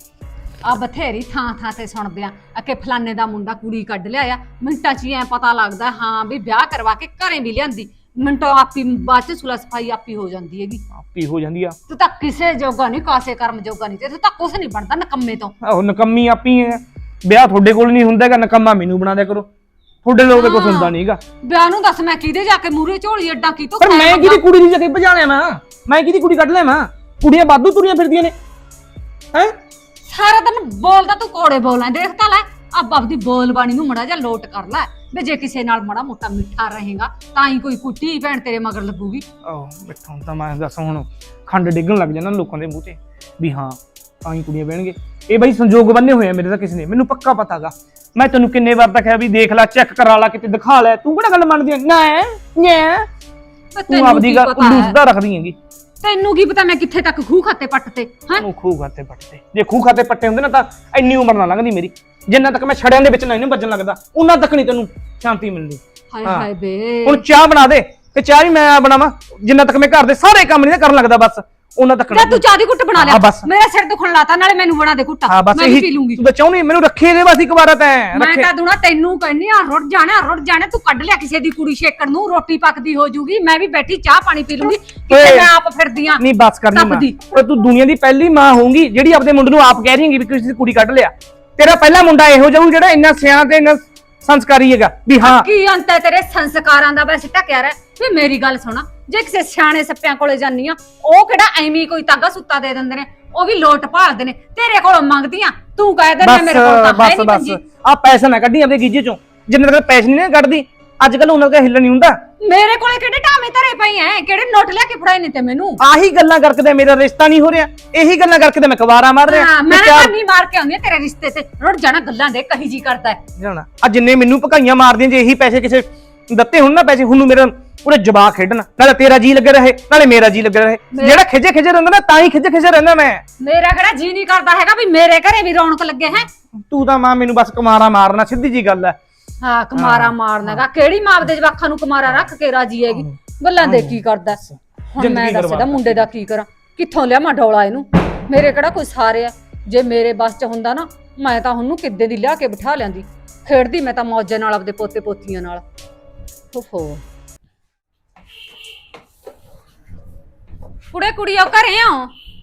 B: ਆ ਬਥੇਰੀ ਥਾਂ ਤੇ ਸੁਣਦੇ ਆ ਕਿ ਫਲਾਣੇ ਦਾ ਮੁੰਡਾ ਕੁੜੀ ਕੱਢ ਲਿਆ। ਮਿੰਟਾਂ 'ਚ ਹੀ ਐ ਪਤਾ ਲੱਗਦਾ ਹਾਂ ਵੀ ਵਿਆਹ ਕਰਵਾ ਕੇ ਘਰੇ ਵੀ ਲਿਆਂਦੀ। ਮਿੰਟੋ ਆਪੀ ਬਾਅਦ 'ਚ ਸੁਲਾ ਸਫਾਈ ਆਪੀ ਹੋ ਜਾਂਦੀ ਹੈਗੀ।
G: ਆਪੀ ਹੋ ਜਾਂਦੀ ਆ।
B: ਤੂੰ ਤਾਂ ਕਿਸੇ ਜੋਗਾ ਨਹੀਂ, ਕਾਸੇ ਕਰਮ ਜੋਗਾ ਨਹੀਂ, ਤੇ ਤਾਂ ਕੁਛ ਨਹੀਂ ਬਣਦਾ ਨਕੰਮੇ ਤੋਂ।
G: ਆਹੋ ਨਕੰਮੀ ਆਪੀ ਹੈ। ਵਿਆਹ ਤੁਹਾਡੇ ਕੋਲ ਨਹੀਂ ਹੁੰਦਾ ਹੈਗਾ, ਨਕੰਮਾ ਮੈਨੂੰ ਬਣਾ ਦਿਆ ਕਰੋ। ਤੁਹਾਡੇ ਲੋਕ ਦੇ ਕੁਝ ਹੁੰਦਾ ਨਹੀਂਗਾ।
B: ਵਿਆਹ ਨੂੰ ਦੱਸ ਮੈਂ ਕਿਹਦੇ ਜਾ ਕੇ ਮੂਰੇ ਝੋਲੀ ਅੱਡਾ ਕੀ ਤੋਂ?
G: ਪਰ ਮੈਂ ਕਿਹਦੀ ਕੁੜੀ ਦੀ ਜਾ ਕੇ ਭਜਾ ਲਿਆ? ਮੈਂ ਕਿਹਦੀ ਕੁੜੀ ਕੱਢ ਲਿਆ? ਕੁੜੀਆਂ ਵਾਧੂ ਤੁਰੀਆਂ ਫਿਰਦੀਆਂ ਨੇ ਹੈ।
B: ਸਾਰਾ ਦਿਨ ਬੋਲਦਾ ਤੂੰ, ਕੋੜੇ ਬੋਲਾਂ ਦੇਖ ਤਾਂ ਲੈ। ਆਪ ਆਪਦੀ ਬੋਲ ਬਾਣੀ ਨੂੰ ਮੜਾ ਜਾ ਲੋਟ ਕਰ ਲੈ ਵੀ ਜੇ ਕਿਸੇ ਨਾਲ ਮੜਾ ਮੋਟਾ ਮਿੱਠਾ ਰਹੇਗਾ ਤਾਂ ਹੀ ਕੋਈ ਕੁੱਟੀ ਭੈਣ ਤੇਰੇ ਮਗਰ ਲੱਗੂਗੀ।
G: ਆਹ ਬੈਠਾ ਹੁਣ ਤਾਂ ਮੈਂ ਦੱਸ, ਹੁਣ ਖੰਡ ਡਿੱਗਣ ਲੱਗ ਜਾਂਦਾ ਲੋਕਾਂ ਦੇ ਮੂੰਹ ਤੇ ਵੀ ਹਾਂ ਤਾਂ ਹੀ ਕੁੜੀਆਂ ਬਹਿਣਗੇ। ਇਹ ਬਈ ਸੰਜੋਗ ਬੰਨੇ ਹੋਏ ਆ ਮੇਰੇ ਤਾਂ ਕਿਸੇ ਨੇ, ਮੈਨੂੰ ਪੱਕਾ ਪਤਾਗਾ। ਮੈਂ ਤੈਨੂੰ ਕਿੰਨੇ ਵਾਰ ਤਾਂ ਕਿਹਾ ਵੀ ਦੇਖ ਲੈ, ਚੈੱਕ ਕਰਾ ਲੈ, ਕਿਤੇ ਦਿਖਾ ਲੈ, ਤੂੰ ਕਿਹੜਾ ਗੱਲ ਮੰਨਦੀ ਐ? ਨਾ ਤੂੰ ਆਪਦੀ ਗੱਲ ਉੱਲੂ ਸਿੱਧਾ ਰੱਖਦੀ ਹੈਗੀ।
B: ਤੈਨੂੰ ਕੀ ਪਤਾ ਮੈਂ ਕਿੱਥੇ ਤੱਕ ਖੂਹ ਖਾਤੇ ਪੱਟ ਤੇ ਹਾਂ।
G: ਤੂੰ ਖੂਹ ਖਾਤੇ ਪੱਟਦੇ, ਜੇ ਖੂਹ ਖਾਤੇ ਪੱਟੇ ਹੁੰਦੇ ਨਾ ਤਾਂ ਇੰਨੀ ਉਮਰ ਨਾ ਲੰਘਦੀ ਮੇਰੀ। ਜਿੰਨਾ ਤੱਕ ਮੈਂ ਛੜਿਆਂ ਦੇ ਵਿੱਚ ਨਹੀਂ ਵੱਜਣ ਲੱਗਦਾ ਉਹਨਾਂ ਤੱਕ ਨਹੀਂ ਤੈਨੂੰ ਸ਼ਾਂਤੀ ਮਿਲਦੀ।
B: ਹਾਏ
G: ਹਾਂ।
B: ਹਾਏ ਬੇ
G: ਹੁਣ ਚਾਹ ਬਣਾ ਦੇ, ਤੇ ਚਾਹ ਵੀ ਮੈਂ ਬਣਾਵਾਂ। ਜਿੰਨਾ ਤੱਕ ਮੈਂ ਘਰ ਦੇ ਸਾਰੇ ਕੰਮ ਨਹੀਂ ਕਰਨ ਲੱਗਦਾ, ਬਸ ਉਹਨਾਂ ਤੱਕ
B: ਜਾ ਤੂੰ ਚਾਹ ਦੀ ਘੁੱਟ ਬਣਾ
G: ਹਾਂ,
B: ਲਿਆ।
G: ਬਸ।
B: ਮੇਰਾ ਸਿਰ ਦੁਖਣ ਲਾਤਾ, ਨਾਲੇ ਮੈਨੂੰ ਬਣਾ ਦੇ ਘੁੱਟ।
G: ਹਾਂ ਬਸ
B: ਮੈਂ ਵੀ
G: ਇਹੀ
B: ਪੀ ਲੂੰਗੀ।
G: ਤੂੰ ਤਾਂ ਚਾਹੁੰਦੀ ਮੈਨੂੰ ਰੱਖੇ ਦੇ ਬਸ ਇੱਕ ਵਾਰ ਤਾਂ
B: ਮੈਂ
G: ਰੱਖੇ।
B: ਤਾਂ ਦੂਣਾ ਤੈਨੂੰ ਕਹਿੰਨੀ ਆ ਰੁੱਟ ਜਾਣਾ ਤੂੰ ਕੱਢ ਲਿਆ ਕਿਸੇ ਦੀ ਕੁੜੀ ਛੇਕਣ ਨੂੰ, ਰੋਟੀ ਪੱਕਦੀ ਹੋ ਜੂਗੀ, ਮੈਂ ਵੀ ਬੈਠੀ ਚਾਹ ਪਾਣੀ ਪੀ ਲੂੰਗੀ। ਕਿਤੇ
G: ਓਏ।
B: ਮੈਂ ਆਪ ਫਿਰਦੀ ਆ
G: ਨਹੀਂ ਬਸ ਕਰਨੀ ਮਾਂ,
B: ਤਪਦੀ।
G: ਓਏ ਤੂੰ ਦੁਨੀਆ ਦੀ ਪਹਿਲੀ ਮਾਂ ਹੋਊਗੀ ਜਿਹੜੀ ਆਪਦੇ ਮੁੰਡੇ ਨੂੰ ਆਪ ਕਹਿ ਰਹੀ ਹੈਗੀ ਵੀ ਕਿਸੇ ਦੀ ਕੁੜੀ ਕੱਢ ਲਿਆ। ਤੇਰਾ ਪਹਿਲਾ ਮੁੰਡਾ ਇਹੋ ਜਾਊ ਜਿਹੜਾ ਇੰਨਾ ਸਿਆਣਾ ਤੇ ਇੰਨਾ ਸੰਸਕਾਰੀ ਹੈਗਾ ਵੀ ਹਾਂ।
B: ਕੀ ਅੰਤ ਹੈ ਤੇਰੇ ਸੰਸਕਾਰਾਂ ਦਾ? ਬਸ ਟਕਿਆ ਰਹਿ ਵੀ ਮੇਰੀ ਗੱਲ ਸੁਣਾ, ਜੇ ਕਿਸੇ ਸਿਆਣੇ ਸੱਪਿਆਂ ਕੋਲੇ ਜਾਨੀ ਆ, ਉਹ ਕਿਹੜਾ ਐਵੇਂ ਕੋਈ ਤਾਗਾ ਸੁੱਤਾ ਦੇ ਦਿੰਦੇ ਨੇ, ਉਹ ਵੀ ਲੋਟ ਭਾਲਦੇ ਨੇ। ਤੇਰੇ ਕੋਲੋਂ ਮੰਗਦੀਆਂ, ਤੂੰ ਕਹਿ ਦਿੰਦਾ ਮੇਰੇ ਕੋਲ ਤਾਂ ਹੈ
G: ਬਸ
B: ਨਹੀਂ
G: ਬਸ
B: ਪੰਜੀ।
G: ਆ ਪੈਸਾ ਨਾ ਕੱਢੀ ਆਪਦੇ ਗੀਜੇ ਚੋਂ, ਜਿੰਨੇ ਤੱਕ ਪੈਸੇ ਨਹੀਂ ਨਾ ਕੱਢਦੀ ਅੱਜ ਕੱਲ ਉਹਨਾਂ ਦਾ ਹਿੱਲ ਨਹੀਂ ਹੁੰਦਾ।
B: ਮੇਰੇ ਕੋਲੇ ਕਿਹੜੇ ਢਾਮੇ ਧਰੇ ਪਈ ਐ, ਕਿਹੜੇ ਨੋਟ ਲਿਆ ਕੇ ਫੜਾਏ ਨੇ ਤੇ ਮੈਨੂੰ।
G: ਆਹੀ ਗੱਲਾਂ ਕਰਕੇ ਤੇ ਮੇਰਾ ਰਿਸ਼ਤਾ ਨਹੀਂ ਹੋ ਰਿਹਾ, ਇਹੀ ਗੱਲਾਂ ਕਰਕੇ ਤੇ ਮੈਂ ਕਵਾਰਾ ਮਾਰ ਰਿਹਾ।
B: ਹਾਂ, ਮੈਂ ਤਾਂ ਨਹੀਂ ਮਾਰ ਕੇ ਆਉਂਦੀ ਆ ਤੇਰੇ ਰਿਸ਼ਤੇ ਤੇ, ਰੁੱਟ ਜਾਣਾ ਗੱਲਾਂ ਦੇ, ਕਹੀ ਜੀ ਕਰਦਾ ਹੈ।
G: ਜਾਣਾ ਆ ਜਿੰਨੇ ਮੈਨੂੰ ਭਕਾਈਆਂ ਮਾਰਦੀਆਂ, ਜੇ ਇਹੀ ਪੈਸੇ ਕਿਸੇ ਦਿੱਤੇ ਹੁਣ ਨਾ ਪੈਸੇ, ਹੁਣ ਨੂੰ ਮੇਰਾ ਪੂਰੇ ਜਵਾਕ ਖੇਡਣ, ਨਾਲੇ ਤੇਰਾ ਜੀ ਲੱਗੇ ਰਹੇ ਨਾਲੇ ਮੇਰਾ ਜੀ ਲੱਗੇ ਰਹੇ। ਜਿਹੜਾ ਖਿਜੇ ਰਹਿੰਦਾ ਨਾ ਤਾਂ ਹੀ ਖਿਜੇ ਰਹਿੰਦਾ ਮੈਂ।
B: ਮੇਰਾ ਕਿਹੜਾ ਜੀ ਨਹੀਂ ਕਰਦਾ ਹੈਗਾ ਵੀ ਮੇਰੇ ਘਰੇ ਵੀ ਰੌਣਕ ਲੱਗੇ ਹੈ।
G: ਤੂੰ ਤਾਂ ਮਾਂ ਮੈਨੂੰ ਬਸ ਕੁਮਾਰਾ ਮਾਰਨਾ, ਸਿੱਧੀ ਜੀ ਗੱਲ ਹੈ।
B: ਹਾਂ, ਕੁਮਾਰਾ ਮਾਰਨਾਗਾ ਕਿਹੜੀ ਮਾਂ ਦੇ ਜਵਾਕਾਂ ਨੂੰ ਕੁਮਾਰਾ ਰੱਖ ਕੇ ਰਾਜੀ ਹੈਗੀ? ਗੱਲਾਂ ਦੇ ਕੀ ਕਰਦਾ ਹੁਣ? ਮੈਂ ਦੱਸਦਾ ਮੁੰਡੇ ਦਾ ਕੀ ਕਰਾਂ, ਕਿੱਥੋਂ ਲਿਆ ਮੈਂ ਡੋਲਾ ਇਹਨੂੰ? ਮੇਰੇ ਕਿਹੜਾ ਕੋਈ ਸਾਰੇ ਆ? ਜੇ ਮੇਰੇ ਬਸ ਚ ਹੁੰਦਾ ਨਾ, ਮੈਂ ਤਾਂ ਉਹਨੂੰ ਕਿੱਦੇ ਦੀ ਲਿਆ ਕੇ ਬਿਠਾ ਲਿਆਂਦੀ, ਖੇਡਦੀ ਮੈਂ ਤਾਂ ਮੌਜਾਂ ਨਾਲ ਆਪਦੇ ਪੋਤੇ ਪੋਤੀਆਂ ਨਾਲ। ਓਹੋ ਕੁੜੀ ਆ ਘਰੇ ਆ?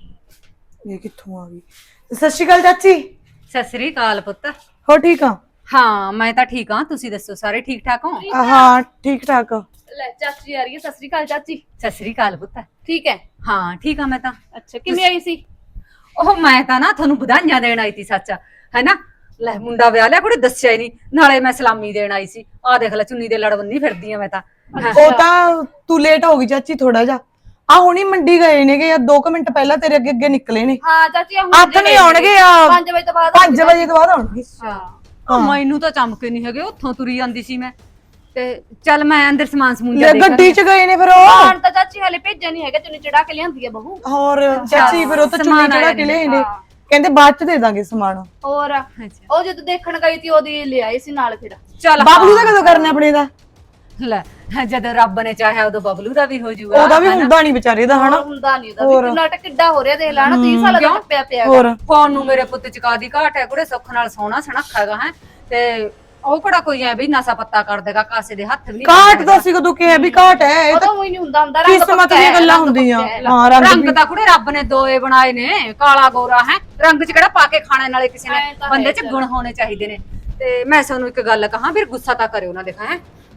D: ਇਹ ਕਿੱਥੋਂ ਆ ਗਈ? ਸਤਿ ਸ਼੍ਰੀ ਅਕਾਲ ਚਾਚੀ।
B: ਸਤਿ ਸ੍ਰੀ ਅਕਾਲ ਪੁੱਤ।
D: ਹੋ ਠੀਕ ਆ?
B: ਹਾਂ ਮੈਂ ਤਾਂ ਠੀਕ ਹਾਂ, ਤੁਸੀਂ ਦੱਸੋ ਸਾਰੇ ਠੀਕ ਠਾਕ ਹੋ?
D: ਹਾਂ ਠੀਕ ਠਾਕ।
C: ਲੈ ਚਾਚੀ ਆ ਰਹੀ ਹੈ। ਸਤਿ ਸ੍ਰੀ ਅਕਾਲ ਚਾਚੀ।
B: ਸਤਿ ਸ੍ਰੀ ਅਕਾਲ ਪੁੱਤ।
C: ਠੀਕ ਹੈ।
B: ਹਾਂ ਠੀਕ ਆ ਮੈਂ ਤਾਂ।
C: ਅੱਛਾ ਕਿਵੇਂ ਆਈ ਸੀ?
B: ਉਹ ਮੈਂ ਤਾਂ ਨਾ ਤੁਹਾਨੂੰ ਵਧਾਈਆਂ ਦੇਣ ਆਈ ਸੀ ਸੱਚ, ਹੈਨਾ। ਲੈ ਮੁੰਡਾ ਵਿਆਹ ਲਿਆ, ਕੋਈ ਦੱਸਿਆ ਹੀ ਨਹੀਂ, ਨਾਲੇ ਮੈਂ ਸਲਾਮੀ ਦੇਣ ਆਈ ਸੀ। ਆਹ ਦੇਖ ਲੈ ਚੁੰਨੀ ਦੇ ਲੜ ਬੰਨੀ ਫਿਰਦੀ ਆ ਮੈਂ ਤਾਂ।
D: ਉਹ ਤਾਂ ਤੂੰ ਲੇਟ ਹੋ ਗਈ ਚਾਚੀ ਥੋੜਾ ਜਿਹਾ। ਆ ਹੁਣੀ ਮੰਡੀ ਗਏ ਨੇਗੇ, ਜਾਂ 2 ਮਿੰਟ ਪਹਿਲਾਂ ਤੇਰੇ ਅੱਗੇ ਅੱਗੇ ਨਿਕਲੇ ਨੇ।
C: ਹਾਂ ਚਾਚੀ ਹੁਣ
D: ਹੱਥ ਨਹੀਂ ਆਉਣਗੇ ਆ
C: 5 ਵਜੇ ਤੋਂ ਬਾਅਦ।
D: 5 ਵਜੇ ਤੋਂ ਬਾਅਦ ਆਉਣਗੇ।
B: ਹਾਂ ਮੈਨੂੰ ਤਾਂ ਚਮਕੇ ਨਹੀਂ ਹੈਗੇ, ਉੱਥੋਂ ਤੁਰੀ ਜਾਂਦੀ ਸੀ ਮੈਂ। ਤੇ ਚੱਲ ਮੈਂ ਅੰਦਰ ਸਮਾਨ ਸਮੂਨ
D: ਲੈ ਗੱਡੀ 'ਚ ਗਏ ਨੇ ਫਿਰ ਉਹ।
C: ਹਾਂ ਤਾਂ ਚਾਚੀ ਹਲੇ ਭੇਜਿਆ ਨਹੀਂ ਹੈਗਾ, ਚੁੰਨੀ ਚੜਾ ਕੇ ਲਿਆਂਦੀ ਆ ਬਹੂ।
D: ਹੋਰ ਚਾਚੀ ਫਿਰ ਉਹ ਤਾਂ ਚੁੰਨੀ ਚੜਾ ਕੇ ਲਿਆਏ ਨੇ, ਕਹਿੰਦੇ ਬਾਅਦ 'ਚ ਦੇ ਦਾਂਗੇ ਸਮਾਨ।
C: ਹੋਰ ਉਹ ਜਦੋਂ ਦੇਖਣ ਗਈ ਸੀ ਉਹਦੀ ਲੈ ਆਈ ਸੀ ਨਾਲ। ਫਿਰ
B: ਚੱਲ
D: ਬਾਬਲੂ ਦਾ ਕਦੋਂ ਕਰਨਾ ਆਪਣੇ ਦਾ?
B: ਲੈ ਜਦੋਂ ਰੱਬ ਨੇ ਚਾਹਿਆ ਉਦੋਂ ਬਬਲੂ ਦਾ ਵੀ ਹੋ ਜਾਊਗਾ।
D: ਉਹਦਾ ਵੀ ਹੁੰਦਾ ਨਹੀਂ ਵਿਚਾਰੇ ਦਾ, ਹਨਾ।
C: ਹੁੰਦਾ ਨਹੀਂ ਉਹਦਾ ਵੀ। ਨਾਟਕ ਕਿੱਡਾ ਹੋ ਰਿਹਾ ਦੇਖ ਲੈਣਾ, 30 ਸਾਲ ਦਾ ਟੱਪਿਆ ਪਿਆ।
D: ਹੋਰ
B: ਫੋਨ ਨੂੰ ਮੇਰੇ ਪੁੱਤ ਚਕਾ ਦੀ ਘਾਟ ਹੈ, ਕੁੜੇ ਸੁੱਖ ਨਾਲ ਸੋਹਣਾ ਸਣਖਾ ਹੈਗਾ ਹੈ। ਤੇ ਉਹ ਕਿਹੜਾ ਕੋਈ ਐ ਵੀ ਨਸ਼ਾ ਪੱਤਾ ਕਰ ਦੇਗਾ, ਕਾਸੇ ਦੇ ਹੱਥ ਵੀ ਨਹੀਂ
D: ਕਾਟ ਦਾ ਸੀ ਕਦੋਂ ਕਿਹਾ ਵੀ ਕਾਟ ਹੈ? ਇਹ
C: ਉਹ
D: ਤਾਂ
C: ਤਾਂ ਉਹੀ ਨਹੀਂ ਹੁੰਦਾ ਰੰਗ
D: ਕਿਸਮਤ ਦੀਆਂ ਗੱਲਾਂ ਹੁੰਦੀਆਂ। ਹਾਂ
B: ਰੰਗ ਤਾਂ ਕੁੜੇ ਰੱਬ ਨੇ ਦੋਏ ਬਣਾਏ ਨੇ, ਕਾਲਾ ਗੋਰਾ ਹੈ। ਰੰਗ 'ਚ ਕਿਹੜਾ ਪਾ ਕੇ ਖਾਣੇ ਨਾਲੇ ਕਿਸੇ ਨੇ, ਬੰਦੇ 'ਚ ਗੁਣ ਹੋਣੇ ਚਾਹੀਦੇ ਨੇ। ਤੇ ਮੈਂ ਤੁਹਾਨੂੰ ਇੱਕ ਗੱਲ ਕਹਾਂ, ਫਿਰ ਗੁੱਸਾ ਤਾਂ ਕਰਿਓ ਨਾ, ਦੇਖਾਂ ਹੈ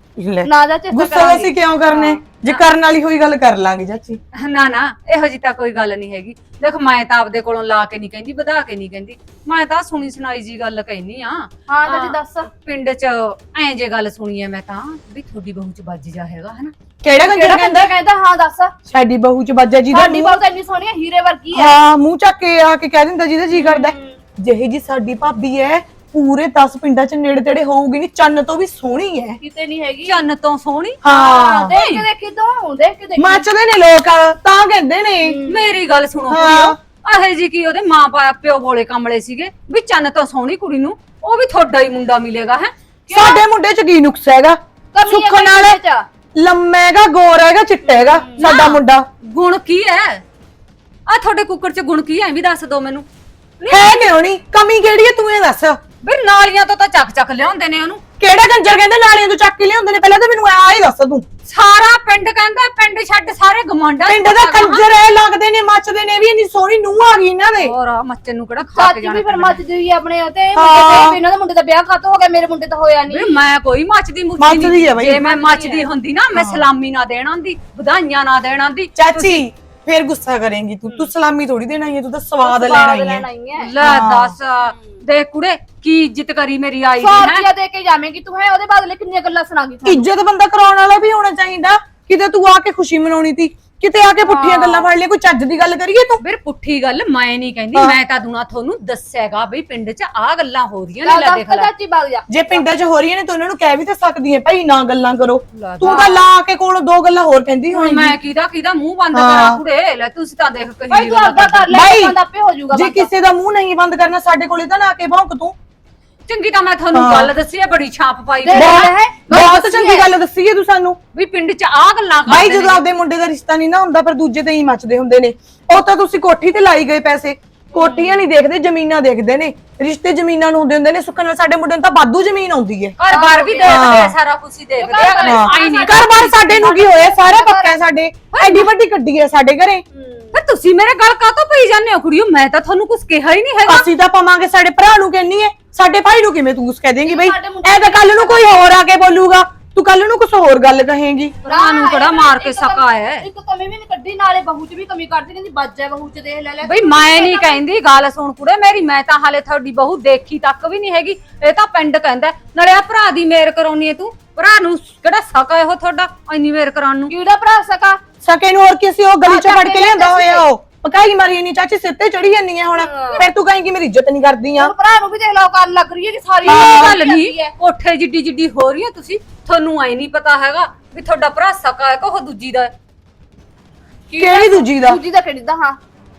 C: ਨਾ ਚਾਚੀ
D: ਗੁੱਸਾ ਅਸੀਂ ਕਿਉਂ ਕਰਨੇ? ਜੇ ਕਰਨ ਵਾਲੀ ਹੋਈ ਗੱਲ ਕਰ ਲਾਂਗੇ ਚਾਚੀ।
B: ਨਾ ਨਾ ਇਹੋ ਜੀ ਤਾਂ ਕੋਈ ਗੱਲ ਨਹੀਂ ਹੈਗੀ। ਦੇਖ ਮੈਂ ਤਾਂ ਆਪਦੇ ਕੋਲੋਂ ਲਾ ਕੇ ਨਹੀਂ ਕਹਿੰਦੀ, ਵਧਾ ਕੇ ਨਹੀਂ ਕਹਿੰਦੀ, ਮੈਂ ਤਾਂ ਸੁਣੀ ਸੁਣਾਈ ਜੀ ਗੱਲ ਕਹਿਨੀ ਆ।
C: ਹਾਂ ਚਾਚੀ ਦੱਸ।
B: ਪਿੰਡ 'ਚ ਐਂ ਜੇ ਗੱਲ ਸੁਣੀ ਐ ਮੈਂ ਤਾਂ, ਵੀ ਤੁਹਾਡੀ ਬਹੂ 'ਚ ਵੱਜ ਜਾ ਹੈਗਾ ਹਨਾ।
D: ਕਿਹੜਾ ਗੰਜਰ ਕਹਿੰਦਾ?
C: ਕਹਿੰਦਾ ਹਾਂ ਦੱਸ।
D: ਸਾਡੀ ਬਹੂ 'ਚ ਵੱਜਾ ਜੀ ਦਾ
C: ਸਾਡੀ ਬਹੂ ਤਾਂ ਇੰਨੀ ਸੋਹਣੀ ਹੀਰੇ ਵਰਗੀ ਹੈ।
D: ਹਾਂ ਮੂੰਹ ਚੱਕ ਕੇ ਆ ਕੇ ਕਹਿ ਦਿੰਦਾ ਜਿਹਦਾ ਜੀ ਕਰਦਾ। ਜਿਹੇ ਜੀ ਸਾਡੀ ਭਾਬੀ ਐ, ਪੂਰੇ 10 ਪਿੰਡਾਂ 'ਚ ਨੇੜੇ ਤੇੜੇ ਹੋਊਗੀ ਨਹੀਂ, ਚੰਨ ਤੋਂ ਵੀ ਸੋਹਣੀ ਐ।
C: ਕਿਤੇ ਨਹੀਂ ਹੈਗੀ।
B: ਚੰਨ ਤੋਂ ਸੋਹਣੀ।
D: ਹਾਂ
C: ਦੇਖ ਕੇ ਦੇਖੀ ਤੂੰ, ਦੇਖ ਕੇ ਦੇਖੀ।
D: ਮੱਚਦੇ ਨੇ ਲੋਕ ਤਾਂ ਕਹਿੰਦੇ ਨੇ।
B: ਮੇਰੀ ਗੱਲ ਸੁਣੋ ਕੁੜੀਓ, ਆਹੇ ਜੀ ਕੀ ਉਹਦੇ ਮਾਂ ਪਿਓ ਬੋਲੇ ਕਮਲੇ ਸੀਗੇ ਵੀ ਚੰਨ ਤੋਂ ਸੋਹਣੀ ਕੁੜੀ ਨੂੰ ਉਹ ਵੀ ਤੁਹਾਡਾ ਹੀ ਮੁੰਡਾ ਮਿਲੇਗਾ ਹੈ।
D: ਸਾਡੇ ਮੁੰਡੇ 'ਚ ਕੀ ਨੁਕਸ ਹੈਗਾ? ਸੁੱਖ ਨਾਲ ਲੰਮਾ ਹੈਗਾ, ਗੋਰਾ ਹੈਗਾ, ਚਿੱਟਾ ਹੈਗਾ ਸਾਡਾ ਮੁੰਡਾ।
B: ਗੁਣ ਕੀ ਹੈ? ਆ ਤੁਹਾਡੇ ਕੁੱਕਰ 'ਚ ਗੁਣ ਕੀ ਹੈ ਵੀ ਦੱਸ ਦੋ ਮੈਨੂੰ।
D: ਹੈ ਕਿਉਂ ਨਹੀਂ? ਕਮੀ ਕਿਹੜੀ ਹੈ ਤੂੰ ਇਹ ਦੱਸ।
B: ਵੀ ਨਾਲੀਆਂ ਤੋਂ ਤਾਂ ਚੱਕ ਲਿਆਉਂਦੇ ਨੇ ਉਹਨੂੰ।
D: ਕਿਹੜਾ ਗੰਜਰ ਕਹਿੰਦੇ ਨਾਲੀਆਂ ਤੋਂ ਚੱਕ ਕੇ ਲਿਆਉਂਦੇ ਨੇ? ਪਹਿਲਾਂ ਤਾਂ ਮੈਨੂੰ ਆ ਹੀ ਦੱਸ ਤੂੰ।
B: ਸਾਰਾ ਪਿੰਡ ਕਹਿੰਦਾ, ਪਿੰਡ ਛੱਡ ਸਾਰੇ ਗਵਾਂਢਾਂ
D: ਪਿੰਡ ਦਾ ਕੰਜਰ ਐ ਲੱਗਦੇ ਨੇ, ਮੱਚਦੇ ਨੇ ਵੀ। ਇੰਨੀ ਸੋਹਣੀ ਨੂੰਹ ਆ ਗਈ ਇਹਨਾਂ ਦੇ।
B: ਹੋਰ ਮੱਚੇ ਨੂੰ ਕਿਹੜਾ ਖਾ ਕੇ
C: ਚਾਚੀ
B: ਜਾਣਾ।
C: ਵੀ ਫਿਰ ਮੱਚਦੀ ਹੋਈ ਆਪਣੇ ਤੇ ਇਹਨਾਂ ਦਾ ਮੁੰਡੇ ਦਾ ਵਿਆਹ ਕਾਤੋਂ ਹੋ ਗਿਆ, ਮੇਰੇ ਮੁੰਡੇ ਤਾਂ ਹੋਇਆ ਨਹੀਂ।
B: ਵੀ ਮੈਂ ਕੋਈ ਮੱਚਦੀ
D: ਮੱਚਦੀ ਆ ਬਈ।
B: ਜੇ ਮੈਂ ਮੱਚਦੀ ਹੁੰਦੀ ਨਾ, ਮੈਂ ਸਲਾਮੀ ਨਾ ਦੇਣ ਆਂਦੀ, ਵਧਾਈਆਂ ਨਾ ਦੇਣ ਆਂਦੀ।
D: ਚਾਚੀ ਫੇਰ ਗੁੱਸਾ ਕਰੇਂਗੀ ਤੂੰ ਸਲਾਮੀ ਥੋੜੀ ਦੇਣਾ ਹੀ ਹੈ, ਤੂੰ ਤਾਂ ਸਵਾਦ ਲੈਣਾ ਹੀ ਹੈ।
B: ਲੈ ਦੱਸ ਦੇਖ ਕੁੜੇ ਕੀ ਇੱਜ਼ਤ ਕਰੀ ਮੇਰੀ ਆਈ ਦੀ
C: 100
B: ਹੈ।
C: ਰੁਪਇਆ ਦੇ ਕੇ ਜਾਵੇਂਗੀ ਤੂੰ, ਹੈ ਉਹਦੇ ਬਦਲੇ ਕਿੰਨੀਆਂ ਗੱਲਾਂ ਸੁਣਾਗੀ।
D: ਇੱਜ਼ਤ ਬੰਦਾ ਕਰਾਉਣ ਵਾਲਾ ਵੀ ਹੋਣਾ ਚਾਹੀਦਾ। ਕਿਤੇ ਤੂੰ ਆ ਕੇ ਖੁਸ਼ੀ ਮਨਾਉਣੀ ਤੀ, ਕਿਤੇ ਆ ਕੇ ਪੁੱਠੀਆਂ ਗੱਲਾਂ ਫੜ ਲਿਆ, ਕੋਈ ਚੱਜ ਦੀ ਗੱਲ ਕਰੀਏ ਤੂੰ।
B: ਵੀਰ ਪੁੱਠੀ ਗੱਲ ਮੈਂ ਨਹੀਂ ਕਹਿੰਦੀ, ਮੈਂ ਤਾਂ ਦੁਨਾ ਤੁਹਾਨੂੰ ਦੱਸਿਆਗਾ ਬਈ ਪਿੰਡ 'ਚ ਆ ਗੱਲਾਂ ਹੋ ਰਹੀਆਂ ਨੇ।
C: ਚੱਲ
B: ਲੈ
C: ਦੱਸ
B: ਦੇਖ
C: ਤਾਂ
B: ਲੈ,
C: ਚਾਚੀ ਵਗ ਜਾ।
D: ਜੇ ਪਿੰਡਾਂ 'ਚ ਹੋ ਰਹੀਆਂ ਨੇ ਤਾਂ ਉਹਨਾਂ ਨੂੰ ਕਹਿ ਵੀ ਤਾਂ ਸਕਦੀ ਹੈ ਭਾਈ ਨਾ ਗੱਲਾਂ ਕਰੋ।
B: ਲੈ
D: ਤੂੰ ਤਾਂ ਲਾ ਕੇ ਕੋਲ ਦੋ ਗੱਲਾਂ ਹੋਰ ਕਹਿੰਦੀ
B: ਹੁਣ
D: ਹੋਏਗੀ।
B: ਮੈਂ ਕਿਹਦਾ ਮੂੰਹ ਬੰਦ ਕਰਾਂ ਕੁੜੇ? ਲੈ ਤੁਸੀਂ ਤਾਂ ਦੇਖ ਕਹੀ
C: ਭਾਈ ਤੂੰ ਆਪਦਾ ਕਰ ਲੈ,
D: ਬਾਈ,
C: ਬੰਦ ਆਪੇ ਹੋ ਜਾਊਗਾ
D: ਜੇ ਕਿਸੇ ਦਾ ਮੂੰਹ ਨਹੀਂ ਬੰਦ ਕਰਨਾ ਸਾਡੇ ਕੋਲੇ ਤਾਂ ਨਾ ਆ ਕੇ ਭੌਂਕ ਤੂੰ।
B: ਚੰਗੀ ਤਾਂ ਮੈਂ ਤੁਹਾਨੂੰ ਗੱਲ ਦੱਸੀ ਹੈ, ਬੜੀ ਛਾਪ ਪਾਈ
C: ਦੇਖ
B: ਹੋਈ ਹੈ।
C: ਲੈ,
D: ਬਹੁਤ ਚੰਗੀ ਗੱਲ ਦੱਸੀ ਹੈ ਤੂੰ ਸਾਨੂੰ।
B: ਵੀ ਪਿੰਡ 'ਚ ਆ ਗੱਲਾਂ
D: ਭਾਈ
B: ਕਰਦੇ
D: ਜਦੋਂ ਆਪਦੇ ਮੁੰਡੇ ਦਾ ਰਿਸ਼ਤਾ ਨਹੀਂ ਨਾ ਹੁੰਦਾ ਪਰ ਦੂਜੇ ਤੇ ਹੀ ਮੱਚਦੇ ਹੁੰਦੇ ਨੇ। ਉਹ ਤਾਂ ਤੁਸੀਂ ਕੋਠੀ ਤੇ ਲਾਈ ਗਏ ਪੈਸੇ, ਕੋਠੀਆਂ ਨਹੀਂ ਦੇਖਦੇ ਜ਼ਮੀਨਾਂ ਦੇਖਦੇ ਨੇ। ਰਿਸ਼ਤੇ ਜ਼ਮੀਨਾਂ ਨੂੰ ਹੁੰਦੇ ਨੇ। ਸੁੱਖ ਨਾਲ ਸਾਡੇ ਮੁੰਡੇ ਨੂੰ ਤਾਂ ਵਾਧੂ ਜ਼ਮੀਨ ਆਉਂਦੀ ਹੈ।
B: ਘਰ-ਬਾਰ ਵੀ ਦੇਖਦੇ ਆ, ਸਾਰਾ ਕੁਝ ਹੀ ਦੇਖਦੇ ਆ ਅਗਲੇ। ਆਈ ਨਹੀਂ
D: ਘਰ-ਬਾਰ ਸਾਡੇ ਨੂੰ ਕੀ ਹੋਇਆ, ਸਾਰਾ ਪੱਕਾ ਹੈ ਸਾਡੇ। ਐਡੀ ਵੱਡੀ ਗੱਡੀ ਹੈ ਸਾਡੇ ਘਰੇ।
B: ਫਿਰ ਤੁਸੀਂ ਮੇਰੇ ਗੱਲ ਕਾਹਤੋਂ ਪਈ ਜਾਂਦੇ ਹੋ ਕੁੜੀਓ? ਮੈਂ ਤਾਂ ਤੁਹਾਨੂੰ ਕੁਝ ਕਿਹਾ ਹੀ ਨਹੀਂ ਹੈਗਾ।
D: ਅਸੀਂ ਤਾਂ ਪਵਾਂਗੇ, ਸਾਡੇ ਭਰਾ ਨੂੰ ਕਹਿੰਨੀ ਹੈ, ਸਾਡੇ ਭਾਈ ਨੂੰ ਕਿਵੇਂ ਤੂੰ ਕੁਛ ਕਹਿ ਦੇਂਗੀ ਬਈ?
C: ਸਾਡੇ ਮੁੰਡੇ
D: ਐ ਤਾਂ ਕੱਲ ਨੂੰ ਕੋਈ ਹੋਰ ਆ ਕੇ ਬੋਲੂਗਾ, ਤੂੰ ਕੱਲ ਨੂੰ ਕੁਝ ਹੋਰ ਗੱਲ ਕਹੇਂਗੀ।
B: ਭਰਾ ਨੂੰ ਕਿਹੜਾ ਮਾਰ ਕੇ ਸਕਾ ਹੈ?
C: ਇੱਕ ਕਮੀ ਵੀ ਨਹੀਂ ਕੱਢੀ, ਨਾਲੇ ਬਹੂ 'ਚ ਵੀ ਕਮੀ ਕੱਢਦੀ, ਕਹਿੰਦੀ ਬੱਜ ਹੈ ਬਹੂ 'ਚ, ਦੇਖ ਲੈ ਲੈ।
B: ਬਈ ਮੈਂ ਨਹੀਂ ਕਹਿੰਦੀ, ਗੱਲ ਸੁਣ ਕੁੜੇ ਮੇਰੀ, ਮੈਂ ਤਾਂ ਹਾਲੇ ਤੁਹਾਡੀ ਬਹੂ ਦੇਖੀ ਤੱਕ ਵੀ ਨਹੀਂ ਹੈਗੀ। ਇਹ ਤਾਂ ਪਿੰਡ ਕਹਿੰਦਾ। ਨਾਲੇ ਆ ਭਰਾ ਦੀ ਮੇਰ ਕਰਾਉਣੀ ਹੈ ਤੂੰ। ਭਰਾ ਨੂੰ ਕਿਹੜਾ ਸਕਾ ਇਹੋ ਤੁਹਾਡਾ ਇੰਨੀ ਮੇਰ ਕਰਾਉਣ ਨੂੰ?
C: ਕਿਹੜਾ ਭਰਾ ਸਕਾ?
D: ਸਕੇ ਨੂੰ ਹੋਰ ਕਿਸੇ ਉਹ ਗਲੀ ਚੋਂ ਫੜ ਕੇ ਲਿਆਂਦਾ ਹੋਇਆ ਉਹ ਪਕਾਈ ਮਾਰੀ ਨਹੀਂ ਚਾਚੀ, ਸਿਰ ਤੇ ਚੜੀ ਜਾਂਦੀ ਹੈ ਹੁਣ। ਫਿਰ ਤੂੰ ਕਹੇਂਗੀ ਮੇਰੀ ਇੱਜ਼ਤ ਨਹੀਂ ਕਰਦੀ ਆ।
C: ਉਹ ਭਰਾ ਨੂੰ ਵੀ ਦੇਖ ਲਓ ਕਰਨ ਲੱਗ ਰਹੀ ਹੈ ਕਿ ਸਾਰੀ
B: ਇਹ ਗੱਲ
C: ਲੱਗੀ
B: ਨਹੀਂ,
C: ਹੈ।
B: ਕੋਠੇ ਜਿੱਡੀ ਹੋ ਰਹੀ ਹੈ ਤੁਸੀਂ। ਤੁਹਾਨੂੰ ਐ ਨਹੀਂ ਪਤਾ ਹੈਗਾ ਵੀ ਤੁਹਾਡਾ ਭਰਾ ਸਕਾ ਹੈ ਕਿ ਉਹ ਦੂਜੀ ਦਾ ਹੈ?
D: ਕਿਹੜੀ ਦੂਜੀ ਦਾ?
C: ਦੂਜੀ ਦਾ ਕਿਹੜੀ ਦਾ? ਹਾਂ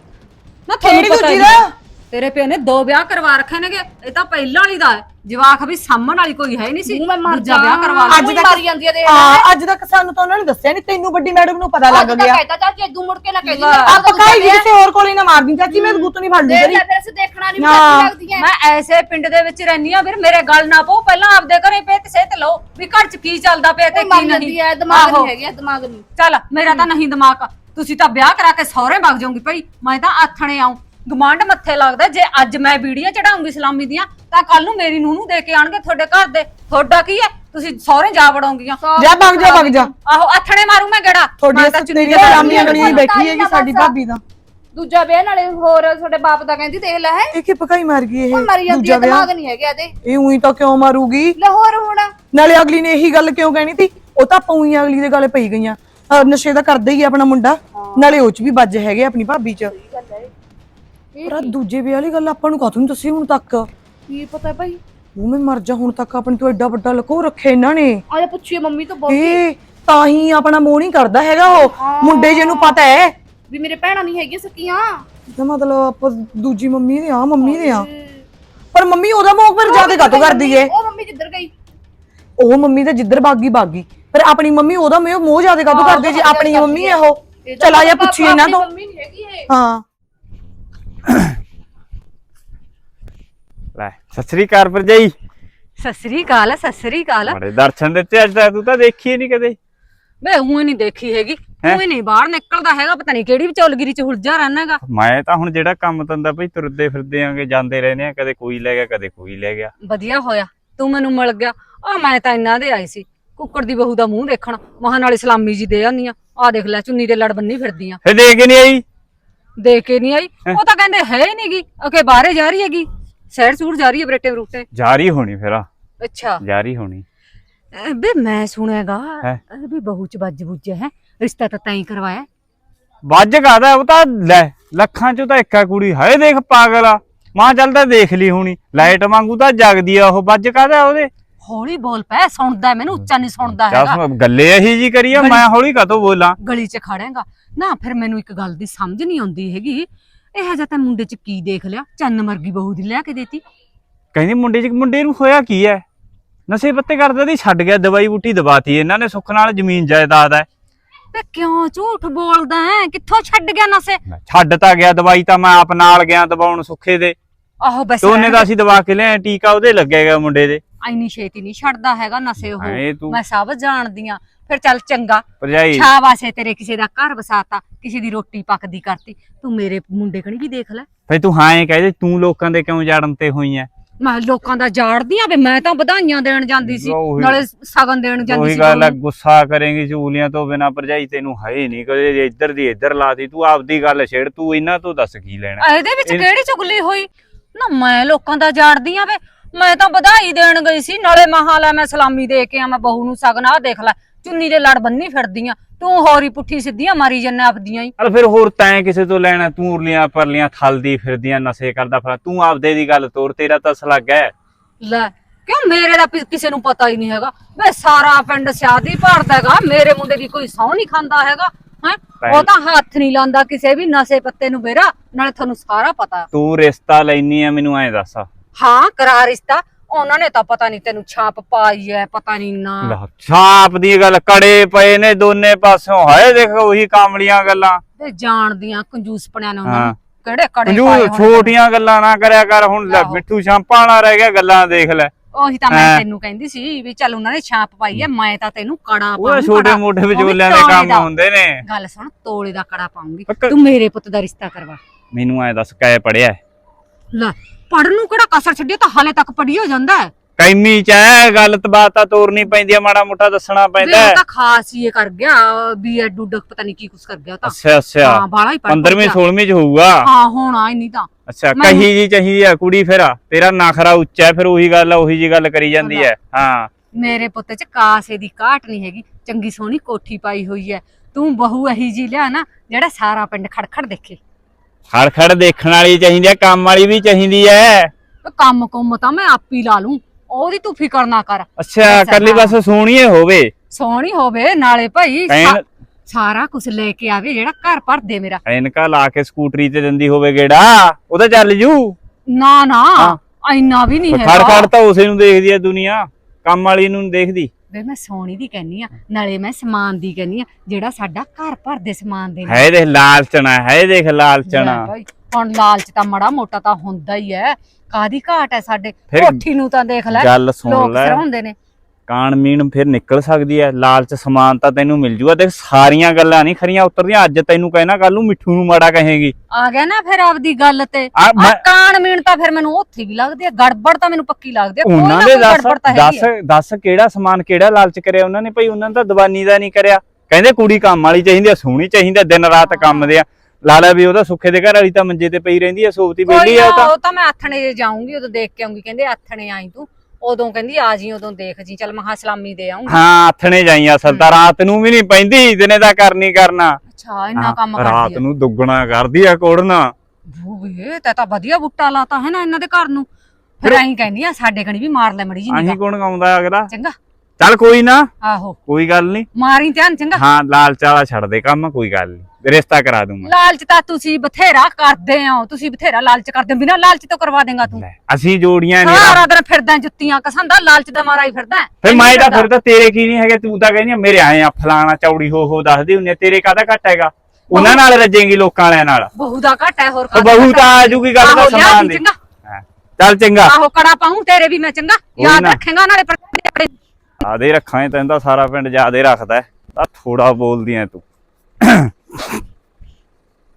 B: ਨਾ ਤੁਹਾਨੂੰ
D: ਕਿਹੜੀ
B: ਪਤਾ
D: ਦੂਜੀ
B: ਹੀ
D: ਦਾ?
B: ਨਹੀਂ। ਤੇਰੇ ਪਿਓ ਨੇ 2 ਵਿਆਹ ਕਰਵਾ ਰੱਖੇ ਨੇਗੇ। ਇਹ ਤਾਂ ਪਹਿਲਾਂ ਵਾਲੀ ਦਾ ਹੈ। ਜਵਾਕ ਵੀ ਸਾਂਭਣ ਵਾਲੀ ਕੋਈ ਹੈ ਨਹੀਂ ਸੀ।
C: ਮੈਂ ਮਰ
B: ਦੂਜਾ ਵਿਆਹ ਕਰਵਾ ਲਿਆ।
C: ਅੱਜ ਤੱਕ ਮਾਰੀ ਜਾਂਦੀ ਹੈ ਦੇਖ
D: ਹਾਂ, ਅੱਜ ਤੱਕ ਸਾਨੂੰ ਤਾਂ ਉਹਨਾਂ ਨੇ ਦੱਸਿਆ ਨਹੀਂ, ਤੈਨੂੰ ਵੱਡੀ ਮੈਡਮ ਨੂੰ ਪਤਾ ਲੱਗ ਗਿਆ।
C: ਕਹਿੰਦਾ ਚਾਚੀ ਇਦੋਂ ਮੁੜ ਕੇ ਨਾ ਕਹਿੰਦੀ
D: ਆ ਪਕਾਈ ਵੀ ਕਿਸੇ ਹੋਰ ਕੋਲੇ ਨਾ ਮਾਰਦੀ ਚਾਚੀ, ਮੈਂ ਗੁੱਤ ਨਹੀਂ ਫੜ ਲਈ
C: ਦੇਖ
D: ਤੇਰੀ।
C: ਲੈ, ਫਿਰ ਅਸੀਂ ਦੇਖਣਾ ਨਹੀਂ
D: ਹਾਂ।
C: ਲੱਗਦੀ ਹੈ।
B: ਮੈਂ ਐਸੇ ਪਿੰਡ ਦੇ ਵਿੱਚ ਰਹਿਨੀ ਆ ਵੀਰ, ਮੇਰੇ ਗੱਲ ਨਾ ਪਾਓ। ਪਹਿਲਾਂ ਆਪਦੇ ਘਰੇ ਪੇਤ ਸੇਤ ਲਓ ਵੀ ਘਰ 'ਚ ਕੀ ਚੱਲਦਾ ਪਿਆ ਤੇ
C: ਉਹ ਮਰ
B: ਕੀ
C: ਜਾਂਦੀ
B: ਨਹੀਂ।
C: ਹੈ, ਦਿਮਾਗ
B: ਆਹੋ।
C: ਨਹੀਂ ਹੈਗਾ, ਦਿਮਾਗ ਨਹੀਂ।
B: ਚੱਲ ਮੇਰਾ ਤਾਂ ਨਹੀਂ ਦਿਮਾਗ। ਤੁਸੀਂ ਤਾਂ ਵਿਆਹ ਕਰਾ ਕੇ ਸਹੁਰੇ ਵਗ ਜਾਓਗੇ ਭਾਈ। ਮੈਂ ਤਾਂ ਆਥਣੇ ਆਉਂ ਗਮਾਂਡ ਮੱਥੇ ਲੱਗਦਾ। ਜੇ ਅੱਜ ਮੈਂ ਵੀਡੀਓ ਚੜਾਉਂਗੀ ਸਲਾਮੀ ਦੀਆਂ ਤਾਂ ਕੱਲ ਨੂੰ ਮੇਰੀ ਨੂੰਹ ਨੂੰ ਦੇ ਕੇ ਆਣਗੇ ਤੁਹਾਡੇ ਘਰ ਦੇ। ਤੁਹਾਡਾ ਕੀ ਹੈ? ਤੁਸੀਂ ਸਹੁਰੇ ਜਾ ਵੜੋਗੀਆਂ।
D: ਜਾ ਭੱਗ ਜਾ ਭੱਗ ਜਾ।
B: ਆਹੋ ਆਥਣੇ ਮਾਰੂ ਮੈਂ ਗੇੜਾ।
D: ਤੁਹਾਡੀ
B: ਮੈਂ ਤਾਂ ਚੁੰਨੀ
D: ਤੇਰੀ
B: ਦੇ
D: ਸਾਹਮਣੇ ਅਗਲੀ ਬੈਠੀ ਹੈਗੀ ਸਾਡੀ ਭਾਬੀ ਦਾ।
C: ਦੂਜਾ ਵਿਆਹ ਨਾਲੇ ਹੋਰ ਤੁਹਾਡੇ ਬਾਪ ਦਾ ਕਹਿੰਦੀ ਦੇਖ ਲੈ ਹੈ।
D: ਇਹ ਕਿ ਪਕਾਈ ਮਾਰ ਗਈ ਇਹ
C: ਉਹ ਮਰੀ ਜਾਂਦੀ
D: ਦੂਜਾ
C: ਹੈ,
D: ਵਿਆਹ।
C: ਦਿਮਾਗ ਨਹੀਂ ਹੈਗਾ ਇਹਦੇ।
D: ਇਹ ਉਹੀ ਤਾਂ ਕਿਉਂ ਮਾਰੂਗੀ?
C: ਲਾਹੌਰ ਹੁਣ
D: ਨਾਲੇ ਅਗਲੀ ਨੇ ਇਹੀ ਗੱਲ ਕਿਉਂ ਕਹਿਣੀ ਤੀ? ਉਹ ਤਾਂ ਪਊਈਆਂ ਅਗਲੀ ਦੇ ਗਾਲੇ ਪਈ ਗਈਆਂ। ਨਸ਼ੇ ਦਾ ਕਰਦਾ ਹੀ ਆ ਆਪਣਾ ਮੁੰਡਾ, ਨਾਲੇ ਉਹ ਚ ਵੀ ਵੱਜ ਹੈਗੇ ਆਪਣੀ ਭਾਬੀ ਚ। ਪਰ ਦੂਜੇ ਵਿਆਹ ਵਾਲੀ ਗੱਲ ਆਪਾਂ ਨੂੰ ਕਾਹਤੋਂ ਨਹੀਂ ਦੱਸੀ ਹੁਣ ਤੱਕ?
C: ਕੀ ਪਤਾ ਭਾਈ?
D: ਉਹ ਮੈਂ ਮਰ ਜਾ, ਹੁਣ ਤੱਕ ਆਪਣੇ ਤੋਂ ਐਡਾ ਵੱਡਾ ਲਕੋ ਰੱਖਿਆ ਇਹਨਾਂ ਨੇ।
C: ਆਲੇ ਪੁੱਛੀਏ ਮੰਮੀ ਤੋਂ ਬਹੁਤ
D: ਇਹ ਤਾਂ ਹੀ ਆਪਣਾ ਮੋਹ ਨਹੀਂ ਕਰਦਾ ਹੈਗਾ ਉਹ ਮੁੰਡੇ ਜੇ ਨੂੰ ਪਤਾ ਹੈ।
C: ਵੀ ਮੇਰੇ ਭੈਣਾਂ ਨਹੀਂ ਹੈਗੀਆਂ ਸਕੀਆਂ।
D: ਇਹਦਾ ਮਤਲਬ ਆਪਾਂ ਦੂਜੀ ਮੰਮੀ ਦੇ ਆ, ਮੰਮੀ ਦੇ ਆ। ਪਰ ਮੰਮੀ ਉਹਦਾ ਮੋਹ ਫਿਰ ਜ਼ਿਆਦਾ ਕਾਹਤੋਂ ਕਰਦੀ ਏ?
C: ਉਹ ਮੰਮੀ ਕਿੱਧਰ ਗਈ?
D: ਉਹ ਮੰਮੀ ਤਾਂ ਜਿੱਧਰ ਬਾਗੀ ਬਾਗੀ, ਪਰ ਆਪਣੀ ਮੰਮੀ ਉਹਦਾ ਮੋਹ ਜ਼ਿਆਦਾ ਕਾਹਤੋਂ ਕਰਦੀ ਜੇ ਆਪਣੀ ਮੰਮੀ ਆ ਉਹ। ਚਲਾ ਜਾ ਪੁੱਛੀਏ ਇਹਨਾਂ ਤੋਂ।
C: ਮੰਮੀ ਨਹੀਂ ਹੈਗੀ ਇਹ।
D: ਹਾਂ
H: ਲੈ ਸਤਿ ਸ੍ਰੀ ਅਕਾਲ ਭਰਜਾਈ।
B: ਸਤਿ ਸ੍ਰੀ ਅਕਾਲ, ਸਤਿ ਸ੍ਰੀ ਅਕਾਲ।
H: ਬੜੇ ਦਰਸ਼ਨ ਦਿੱਤੇ ਅੱਜ ਤੱਕ, ਤੂੰ ਤਾਂ ਦੇਖੀ ਨਹੀਂ ਕਦੇ।
B: ਮੈਂ ਉਹ ਨਹੀਂ ਦੇਖੀ ਹੈਗੀ, ਉਹ ਨਹੀਂ ਬਾਹਰ ਨਿਕਲਦਾ ਹੈਗਾ। ਪਤਾ ਨਹੀਂ ਕਿਹੜੀ ਵਿਚੌਲਗਿਰੀ ਚ ਹੁਲਜਾ ਰਹਿਣਾਗਾ।
H: ਮੈਂ ਤਾਂ ਹੁਣ ਜਿਹੜਾ ਕੰਮ ਤੰਦਾ ਭਈ ਤੁਰਦੇ ਫਿਰਦੇ ਆਂਗੇ, ਜਾਂਦੇ ਰਹਿੰਦੇ ਆ, ਕਦੇ ਕੋਈ ਲੈ ਗਿਆ ਕਦੇ ਕੋਈ ਲੈ ਗਿਆ।
B: ਵਧੀਆ ਹੋਇਆ ਤੂੰ ਮੈਨੂੰ ਮਿਲ ਗਿਆ। ਆ ਮੈਂ ਤਾਂ ਇਹਨਾਂ ਦੇ ਆਈ ਸੀ ਕੁੱਕੜ ਦੀ ਬਹੂ ਦਾ ਮੂੰਹ ਦੇਖਣ। ਮਹਾਂ ਨਾਲੇ ਸਲਾਮੀ ਜੀ ਦੇ ਆਨੀ ਆ ਦੇਖ ਲੈ ਚੁੰਨੀ ਦੇ ਲੜ ਬੰਨੀ ਫਿਰਦੀ ਆ।
H: ਫੇ ਦੇ ਕੇ ਨਹੀਂ ਆਈ?
B: ਦੇ ਕੇ ਨਹੀਂ ਆਈ। ਉਹ ਤਾਂ ਕਹਿੰਦੇ ਹੈ ਹੀ ਨਹੀਂਗੀ। ਅਕੇ ਬਾਹਰੇ ਜਾ ਰਹੀ ਹੈਗੀ, ਸੈਰ ਸੂਰ ਜਾ ਰਹੀ ਹੈ ਬਰੇਟੇ ਬਰੂਟੇ।
H: ਜਾਰੀ ਹੋਣੀ ਫਿਰ।
B: ਅੱਛਾ
H: ਜਾਰੀ ਹੋਣੀ।
B: ਬੇ ਮੈਂ ਸੁਣਿਆਗਾ
H: ਹੈਂ?
B: ਵੀ ਬਹੂ ਚ ਵੱਜ ਬੁੱਝ ਹੈ। ਰਿਸ਼ਤਾ ਤਾਂ ਤੈਂ ਕਰਵਾਇਆ।
H: ਵੱਜ ਕਾਦਾ? ਉਹ ਤਾਂ ਲੈ ਲੱਖਾਂ ਚੋਂ ਤਾਂ ਇੱਕਾ ਕੁੜੀ ਹੈ। ਦੇਖ ਪਾਗਲ ਆ। ਮਾਂ ਚੱਲਦਾ ਦੇਖ ਲਈ ਹੋਣੀ, ਲਾਈਟ ਵਾਂਗੂ ਤਾਂ ਜਗਦੀ ਆ ਉਹ। ਵੱਜ ਕਾਦਾ ਉਹਦੇ?
B: ਹੌਲੀ ਬੋਲ ਪੈ, ਸੁਣਦਾ ਮੈਨੂੰ ਉੱਚਾ ਨਹੀਂ ਸੁਣਦਾ ਹੈਗਾ।
H: ਚੱਲ ਗੱਲੇ ਇਹੀ ਜੀ ਕਰੀਏ, ਮੈਂ ਹੌਲੀ ਕਾਤੋਂ ਬੋਲਾਂ?
B: ਗਲੀ 'ਚ ਖੜੇਗਾ ਨਾ। ਫਿਰ ਮੈਨੂੰ ਇੱਕ ਗੱਲ ਦੀ ਸਮਝ ਨਹੀਂ ਆਉਂਦੀ ਹੈਗੀ। ਇਹ ਜਿਹਾ ਤਾਂ ਮੁੰਡੇ 'ਚ ਕੀ ਦੇਖ ਲਿਆ? ਚੰਨ ਮਰਗੀ ਬਹੂ ਦੀ ਲੈ ਕੇ ਦੇਤੀ।
H: ਕਹਿੰਦੀ ਮੁੰਡੇ ਨੂੰ ਹੋਇਆ ਕੀ ਹੈ? ਨਸ਼ੇ ਪੱਤੇ ਕਰਦਾ ਦੀ ਛੱਡ ਗਿਆ, ਦਵਾਈ ਬੂਟੀ ਦਵਾਤੀ ਇਹਨਾਂ ਨੇ। ਸੁੱਖ ਨਾਲ ਜ਼ਮੀਨ ਜਾਇਦਾਦ ਹੈ।
B: ਤੇ ਕਿਉਂ ਝੂਠ ਬੋਲਦਾ ਹੈ? ਕਿੱਥੋਂ ਛੱਡ ਗਿਆ ਨਸ਼ੇ?
H: ਛੱਡ ਤਾਂ ਗਿਆ, ਦਵਾਈ ਤਾਂ ਮੈਂ ਆਪ ਨਾਲ ਗਿਆ ਦਵਾਉਣ ਸੁੱਖੇ ਦੇ।
B: ਆਹੋ ਬਸ
H: ਦੋਨੇ ਦਾ ਅਸੀਂ ਦਵਾ ਕੇ ਲਿਆਏ, ਟੀਕਾ ਉਹਦੇ ਲੱਗੇਗਾ ਮੁੰਡੇ ਦੇ।
B: ਇੰਨੀ ਛੇਤੀ ਨਹੀਂ ਛੱਡਦਾ ਹੈਗਾ ਨਸ਼ੇ ਉਹ।
H: ਐਂ ਤੂੰ
B: ਮੈਂ ਸਭ ਜਾਣਦੀ ਆ। ਫਿਰ ਚੱਲ ਚੰਗਾ,
H: ਭਰਜਾਈ
B: ਸ਼ਾਬਾਸ਼ ਏ ਤੇਰੇ, ਕਿਸੇ ਦਾ ਘਰ ਵਸਾਤਾ, ਕਿਸੇ ਦੀ ਰੋਟੀ ਪੱਕਦੀ ਕਰਤੀ। ਤੂੰ ਮੇਰੇ ਮੁੰਡੇ ਕਣੀ ਵੀ ਦੇਖ ਲੈ।
H: ਫੇ ਤੂੰ ਹਾਂ ਇਹ ਕਹਦੇ, ਤੂੰ ਲੋਕਾਂ ਦੇ ਕਿਉਂ ਜਾੜਨ ਤੇ ਹੋਈ ਐ?
B: ਮੈਂ ਲੋਕਾਂ ਦਾ ਜਾੜਦੀ ਆ ਵੇ। ਮੈਂ ਤਾਂ ਵਧਾਈਆਂ ਦੇਣ ਜਾਂਦੀ ਸੀ,
H: ਉਹੀ-
B: ਨਾਲੇ ਸਗਨ ਦੇਣ ਜਾਂਦੀ
H: ਉਹੀ
B: ਸੀ।
H: ਗੱਲ ਹੈ, ਗੁੱਸਾ ਕਰੇਂਗੀ ਚੂਲੀਆਂ ਤੋਂ ਬਿਨਾ। ਭਰਜਾਈ ਤੈਨੂੰ ਹੈ ਹੀ ਨਹੀਂ ਕਦੇ, ਇੱਧਰ ਦੀ ਇੱਧਰ ਲਾਤੀ। ਤੂੰ ਆਪਦੀ ਗੱਲ ਛੇੜ, ਤੂੰ ਇਹਨਾਂ ਤੋਂ ਦੱਸ ਕੀ ਲੈਣਾ?
B: ਇਹਦੇ ਵਿੱਚ ਕਿਹੜੀ ਚੁਗਲੀ ਹੋਈ ਨਾ? ਮੈਂ ਲੋਕਾਂ ਦਾ ਜਾੜਦੀ ਆ ਵੇ। ਮੈਂ ਤਾਂ ਵਧਾਈ ਦੇਣ ਗਈ ਸੀ, ਨਾਲੇ ਮਹਾ ਲੈ ਮੈਂ ਸਲਾਮੀ ਦੇ ਕੇ ਆ। ਮੈਂ ਬਹੂ ਨੂੰ ਸਗਨ ਆ ਦੇਖ ਲੈ ਚੁੰਨੀ ਦੇ ਲੜ ਬੰਨੀ ਫਿਰਦੀਆਂ ਤੂੰ ਹੋਰੀ ਪੁੱਠੀ ਸਿੱਧੀਆਂ ਮਾਰੀ ਜੰਨਾ ਆਪਦੀਆਂ ਹੀ।
H: ਅਲ ਫਿਰ ਹੋਰ ਤੈਂ ਕਿਸੇ ਤੋਂ ਲੈਣਾ, ਤੂੰ ਉਰਲੀਆਂ ਪਰਲੀਆਂ ਥਲਦੀ ਫਿਰਦੀਆਂ ਨਸ਼ੇ ਕਰਦਾ ਫਿਰ ਤੂੰ ਆਪਦੇ ਦੀ ਗੱਲ ਤੋਰ, ਤੇਰਾ ਤਾਂ ਸਲੱਗ ਹੈ।
B: ਲੈ ਕਿਉਂ ਮੇਰੇ ਦਾ ਕਿਸੇ ਨੂੰ ਪਤਾ ਹੀ ਨਹੀਂ ਹੈਗਾ ਵੇ ਸਾਰਾ ਪਿੰਡ ਸਿਆਦੀ ਭਾਰਦਾ ਹੈਗਾ ਮੇਰੇ ਮੁੰਡੇ ਦੀ ਕੋਈ ਸਹੁੰ ਨਹੀਂ ਖਾਂਦਾ ਹੈਗਾ ਹੈ ਉਹ ਤਾਂ ਹੱਥ ਨਹੀਂ ਲਾਉਂਦਾ ਕਿਸੇ ਵੀ ਨਸ਼ੇ ਪੱਤੇ ਨੂੰ ਮੇਰਾ ਨਾਲੇ ਤੁਹਾਨੂੰ ਸਾਰਾ ਪਤਾ।
H: ਤੂੰ ਰਿਸ਼ਤਾ ਲੈਣੀ ਆ ਮੈਨੂੰ ਐਂ ਦੱਸ।
B: ਹਾਂ ਕਰਾ ਰਿਸ਼ਤਾ ਉਹਨਾਂ ਨੇ ਤਾਂ ਪਤਾ ਨਹੀਂ ਤੈਨੂੰ ਛਾਪ ਪਾਈ ਐ ਪਤਾ ਨਹੀਂ ਨਾ
H: ਛਾਪ ਦੀ ਗੱਲ ਕੜੇ ਪਏ ਨੇ ਦੋਨੇ ਪਾਸਿਓਂ ਹਾਏ ਦੇਖ ਉਹੀ ਕਾਮਲੀਆਂ ਗੱਲਾਂ
B: ਤੇ ਜਾਣਦੀਆਂ ਕੰਜੂਸਪਣਿਆਂ ਨੇ ਉਹਨਾਂ
H: ਹਾਂ।
B: ਨੂੰ ਕਿਹੜੇ ਕੜੇ
H: ਕੰਜੂਸ
B: ਪਾਏ ਹੋਣ।
H: ਛੋਟੀਆਂ ਗੱਲਾਂ ਨਾ ਕਰਿਆ ਕਰ ਹੁਣ ਲੈ
B: ਆਹੋ।
H: ਮਿੱਠੂ ਸ਼ਾਂਪਾਂ ਵਾਲਾ ਰਹਿ ਗਿਆ ਗੱਲਾਂ ਦੇਖ ਲੈ।
B: ਉਹੀ ਤਾਂ ਮੈਂ
H: ਹਾਂ।
B: ਤੈਨੂੰ ਕਹਿੰਦੀ ਸੀ ਵੀ ਚੱਲ ਉਹਨਾਂ ਨੇ ਛਾਪ ਪਾਈ ਐ ਮੈਂ ਤਾਂ ਤੈਨੂੰ ਕੜਾ
H: ਉਹ
B: ਪਾਉਂ
H: ਛੋਟੇ ਮੋਟੇ ਵਿਚੋਲਿਆਂ ਦੇ ਕੰਮ ਹੁੰਦੇ ਨੇ।
B: ਗੱਲ ਸੁਣ ਤੋਲੇ ਦਾ ਕੜਾ ਪਾਉਂਗੀ
H: ਪੱਕਾ।
B: ਤੂੰ ਮੇਰੇ ਪੁੱਤ ਦਾ ਰਿਸ਼ਤਾ ਕਰਵਾ।
H: ਮੈਨੂੰ ਐ ਦੱਸ ਕੈ ਪੜਿਆ
B: ਲੈ ਪੜਨ ਨੂੰ ਕਿਹੜਾ ਕਸਰ ਛੱਡਿਆ ਤਾਂ ਹਾਲੇ ਤੱਕ ਪੜੀ ਹੋ ਜਾਂਦਾ ਹੈ
H: ਕੈਮੀ ਚ ਐ ਗਲਤ ਬਾਤ ਤਾਂ ਤੋਰਨੀ ਪੈਂਦੀ ਆ ਮਾੜਾ ਮੋਟਾ ਦੱਸਣਾ
B: ਵੇ
H: ਪੈਂਦਾ
B: ਉਹ
H: ਹੈ।
B: ਤਾਂ ਖਾਸ ਹੀ ਇਹ ਕਰ ਗਿਆ ਬੀਐਡ ਡੂਡ ਪਤਾ ਨਹੀਂ ਕੀ ਕੁਛ ਕਰ ਗਿਆ ਉਹ ਤਾਂ
H: ਅੱਛਾ ਅੱਛਾ
B: ਹਾਂ ਬਾਲਾ ਹੀ ਪੜ੍ਹ
H: 15ਵੀਂ
B: ਗਿਆ।
H: 16ਵੀਂ ਚ ਹੋਊਗਾ।
B: ਹਾਂ ਹੁਣ ਆਈ ਨਹੀਂ ਤਾਂ
H: ਅੱਛਾ
B: ਮੈਂ-
H: ਕਹੀ ਜੀ ਚਾਹੀਦੀ ਆ ਕੁੜੀ ਫਿਰ ਤੇਰਾ ਨਖਰਾ ਉੱਚਾ ਹੈ ਫਿਰ ਉਹੀ ਗੱਲ ਆ ਉਹੀ ਜੀ ਗੱਲ ਕਰੀ ਜਾਂਦੀ ਹੈ। ਹਾਂ
B: ਮੇਰੇ ਪੁੱਤ ਚ ਕਾਸੇ ਦੀ ਘਾਟ ਨਹੀਂ ਹੈਗੀ ਚੰਗੀ ਸੋਹਣੀ ਕੋਠੀ ਪਾਈ ਹੋਈ ਹੈ ਤੂੰ ਬਹੂ ਇਹੀ ਜੀ ਲਿਆ ਨਾ ਜਿਹੜਾ ਸਾਰਾ ਪਿੰਡ ਖੜਖੜ ਦੇਖੇ।
H: ਖੜ ਦੇਖਣ ਵਾਲੀ ਚਾਹੀਦੀ ਆ ਕੰਮ ਵਾਲੀ ਵੀ ਚਾਹੀਦੀ ਐ।
B: ਤੇ ਕੰਮ ਕੁੰਮ ਤਾਂ ਮੈਂ ਆਪ ਹੀ ਲਾ ਲੂੰ ਉਹਦੀ ਤੂੰ ਫਿਕਰ ਨਾ ਕਰ।
H: ਅੱਛਾ ਕੱਲੀ ਬਸ ਸੋਹਣੀਏ ਹੋਵੇ
B: ਸੋਹਣੀ ਹੋਵੇ ਨਾਲੇ ਭਾਈ
H: ਕਹਿਣ-
B: ਸਾਰਾ ਕੁਝ ਲੈ ਕੇ ਆਵੇ ਜਿਹੜਾ ਘਰ ਭਰ ਦੇ ਮੇਰਾ।
H: ਐਨਕਾ ਲਾ ਕੇ ਸਕੂਟਰੀ ਤੇ ਦਿੰਦੀ ਹੋਵੇ ਗੇੜਾ ਉਹ ਤਾਂ ਚੱਲ ਜੂ।
B: ਨਾ ਨਾ
H: ਹਾਂ।
B: ਇੰਨਾ ਵੀ ਨਹੀਂ
H: ਖੜ
B: ਹੈਗਾ
H: ਖੜ ਤਾਂ ਉਸੇ ਨੂੰ ਦੇਖਦੀ ਆ ਦੁਨੀਆ ਕੰਮ ਵਾਲੀ ਨੂੰ ਨੀ ਦੇਖਦੀ।
B: ਵੇ ਮੈਂ ਸੋਹਣੀ ਦੀ ਕਹਿੰਨੀ ਆ ਨਾਲੇ ਮੈਂ ਸਮਾਨ ਦੀ ਕਹਿੰਨੀ ਆ ਜਿਹੜਾ ਸਾਡਾ ਘਰ ਭਰ ਦੇ ਸਮਾਨ ਦੇ
H: ਹੈ ਦੇਖ ਲਾਲਚਣਾ ਹੈ ਦੇਖ ਲਾਲਚਣਾ।
B: ਲੈ ਭਾਈ, ਹੁਣ ਲਾਲਚ ਤਾਂ ਮੜਾ ਮੋਟਾ ਤਾਂ ਹੁੰਦਾ ਹੀ ਹੈ ਕਾਦੀ ਘਾਟ ਹੈ ਸਾਡੇ
H: ਫਿਰ
B: ਕੋਠੀ ਨੂੰ ਤਾਂ ਦੇਖ ਲੈ
H: ਗੱਲ ਸੁਣ
B: ਲੋਕ
H: ਲੈ
B: ਸਰਾਉਂਦੇ ਨੇ।
H: ਕਾਣ ਮੀਣ ਫਿਰ ਨਿਕਲ ਸਕਦੀ ਐ ਲਾਲਚ ਸਮਾਨ ਤਾਂ ਤੈਨੂੰ ਮਿਲ ਜੂਗਾ ਦੇਖ ਸਾਰੀਆਂ ਗੱਲਾਂ ਨਹੀਂ ਖਰੀਆਂ ਉਤਰਦੀਆਂ ਅੱਜ ਤੈਨੂੰ ਕਹਿਣਾ ਕੱਲ ਨੂੰ ਮਿੱਠੂ ਨੂੰ ਮਾੜਾ ਕਹੇਗੀ।
B: ਆ ਗਿਆ ਨਾ ਫਿਰ ਆਪਦੀ ਗੱਲ ਤੇ
H: ਆ ਮੈਂ-
B: ਕਾਣ ਮੀਣ ਤਾਂ ਫਿਰ ਮੈਨੂੰ ਉੱਥੇ ਵੀ ਲੱਗਦੀ ਹੈ ਗੜਬੜ ਤਾਂ ਮੈਨੂੰ ਪੱਕੀ ਲੱਗਦੀ ਹੈ ਕੋਈ
H: ਉਹਨਾਂ
B: ਨਾ
H: ਦੇ
B: ਕੋਈ ਗੜਬੜ ਤਾਂ ਹੈਗੀ ਹੈ।
H: ਦੱਸ ਕਿਹੜਾ ਸਮਾਨ ਕਿਹੜਾ ਲਾਲਚ ਕਰਿਆ ਉਹਨਾਂ ਨੇ ਭਾਈ ਉਹਨਾਂ ਨੇ ਤਾਂ ਦੀਵਾਨੀ ਦਾ ਨਹੀਂ ਕਰਿਆ। ਕਹਿੰਦੇ ਕੁੜੀ ਕੰਮ ਵਾਲੀ ਚਾਹੀਦੀ ਆ ਸੋਹਣੀ ਚਾਹੀਦੀ ਆ ਦਿਨ ਰਾਤ ਕੰਮ ਦੇ ਆ ਲਾਲਾ ਵੀ ਉਹਦਾ ਸੁੱਖੇ ਦੇ ਘਰ ਵਾਲੀ ਤਾਂ ਮੰਜੇ ਤੇ ਪਈ ਰਹਿੰਦੀ ਆ ਸੋਵਤੀ ਬੇਲੀ ਆ
B: ਉਹ ਤਾਂ ਮੈਂ ਆਥਣੇ ਜਾਊਂਗੀ ਉਦੋਂ ਦੇਖ ਕੇ ਆਉਂਗੀ ਕਹਿੰਦੇ ਆਥਣੇ ਆਈ ਤੂੰ ਉਦੋਂ ਕਹਿੰਦੀ ਆ ਜੀ ਉਦੋਂ ਦੇਖ ਜੀ ਚੱਲ ਮਹਾ ਸਲਾਮੀ ਦੇ ਆਉਂਗੀ।
H: ਹਾਂ ਆਥਣੇ ਜਾਈ ਅਸਲ ਤਾਂ ਰਾਤ ਨੂੰ ਵੀ ਨਹੀਂ ਪੈਂਦੀ ਦਿਨੇ ਦਾ ਕਰਨੀ ਕਰਨਾ।
B: ਅੱਛਾ ਇੰਨਾ ਕੰਮ
H: ਰਾਤ
B: ਕਰਦੀ ਹੈ
H: ਨੂੰ ਦੁੱਗਣਾ ਕਰਦੀ ਆ ਕੋੜਨਾ।
B: ਵੇ ਤਾਂ ਵਧੀਆ ਬੁੱਟਾ ਲਾਤਾ ਹੈ ਨਾ ਇਹਨਾਂ ਦੇ ਘਰ ਨੂੰ ਫਿਰ ਐਂ ਕਹਿੰਦੀ ਆ ਸਾਡੇ ਕਣੀ ਵੀ ਮਾਰ ਲੈ ਮੜੀ ਜੀ
H: ਅਸੀਂ
B: ਨਿਗਾਹ
H: ਕੌਣ ਗਾਉਂਦਾ ਅਗਲਾ
B: ਚੰਗਾ।
H: ਚੱਲ ਕੋਈ ਨਾ
B: ਆਹੋ
H: ਕੋਈ ਗੱਲ ਨਹੀਂ।
B: ਮਾਰੀ ਧਿਆਨ ਚੰਗਾ।
H: ਹਾਂ ਲਾਲਚ ਵਾਲਾ ਛੱਡ ਦੇ ਕੰਮ ਕੋਈ ਗੱਲ ਨਹੀਂ ਰਿਸ਼ਤਾ ਕਰਾ ਦੂੰਗਾ।
B: ਲਾਲਚ ਤਾਂ ਤੁਸੀਂ ਬਥੇਰਾ ਕਰਦੇ ਹੋ ਤੁਸੀਂ ਬਥੇਰਾ ਲਾਲਚ ਕਰਦੇ ਹੋ ਬਿਨਾਂ ਲਾਲਚ ਤੋਂ ਕਰਵਾ ਦੇਗਾ ਤੂੰ।
H: ਲੈ, ਅਸੀਂ ਜੋੜੀਆਂ ਨਹੀਂ
B: ਸਾਰਾ ਦਿਨ ਫਿਰਦਾ ਜੁੱਤੀਆਂ ਕਸਾਂਦਾ ਲਾਲਚ ਦਾ ਮਾਰਾ ਹੀ ਫਿਰਦਾ
H: ਫਿਰ ਮੈਂ ਤਾਂ ਫਿਰ ਤਾਂ ਤੇਰੇ ਕੀ ਨਹੀਂ ਹੈਗੇ ਤੂੰ ਤਾਂ ਕਹਿੰਦੀ ਆ ਮੇਰੇ ਆਏ ਆ ਫਲਾਣਾ ਚੌੜੀ ਹੋ ਦੱਸਦੀ ਹੁੰਨੀ ਆ ਤੇਰੇ ਕਾਹਦਾ ਘੱਟ ਹੈਗਾ ਉਹਨਾਂ ਨਾਲ ਰੱਜੇਂਗੀ ਲੋਕਾਂ ਵਾਲਿਆਂ ਨਾਲ।
B: ਬਹੂ ਦਾ ਘਟ ਹੈ ਹੋਰ
H: ਉਹ ਬਹੂ ਤਾਂ ਆ ਜੂਗੀ ਗੱਲ ਦਾ ਸਮਾਨ ਦੀ।
B: ਚੰਗਾ
H: ਹਾਂ, ਚੱਲ ਚੰਗਾ
B: ਆਹੋ ਕੜਾ ਪਾਉਂ ਤੇਰੇ ਵੀ ਮੈਂ ਚੰਗਾ ਯਾਦ
H: ਨਾ।
B: ਰੱਖੇਗਾ ਨਾਲੇ
H: ਆਦੇ ਰੱਖਾਂ ਤੈਨੂੰ ਤਾਂ ਸਾਰਾ ਪਿੰਡ ਜਿਆਦੇ ਰੱਖਦਾ ਤਾਂ ਥੋੜਾ ਬੋਲਦੀ ਐ ਤੂੰ।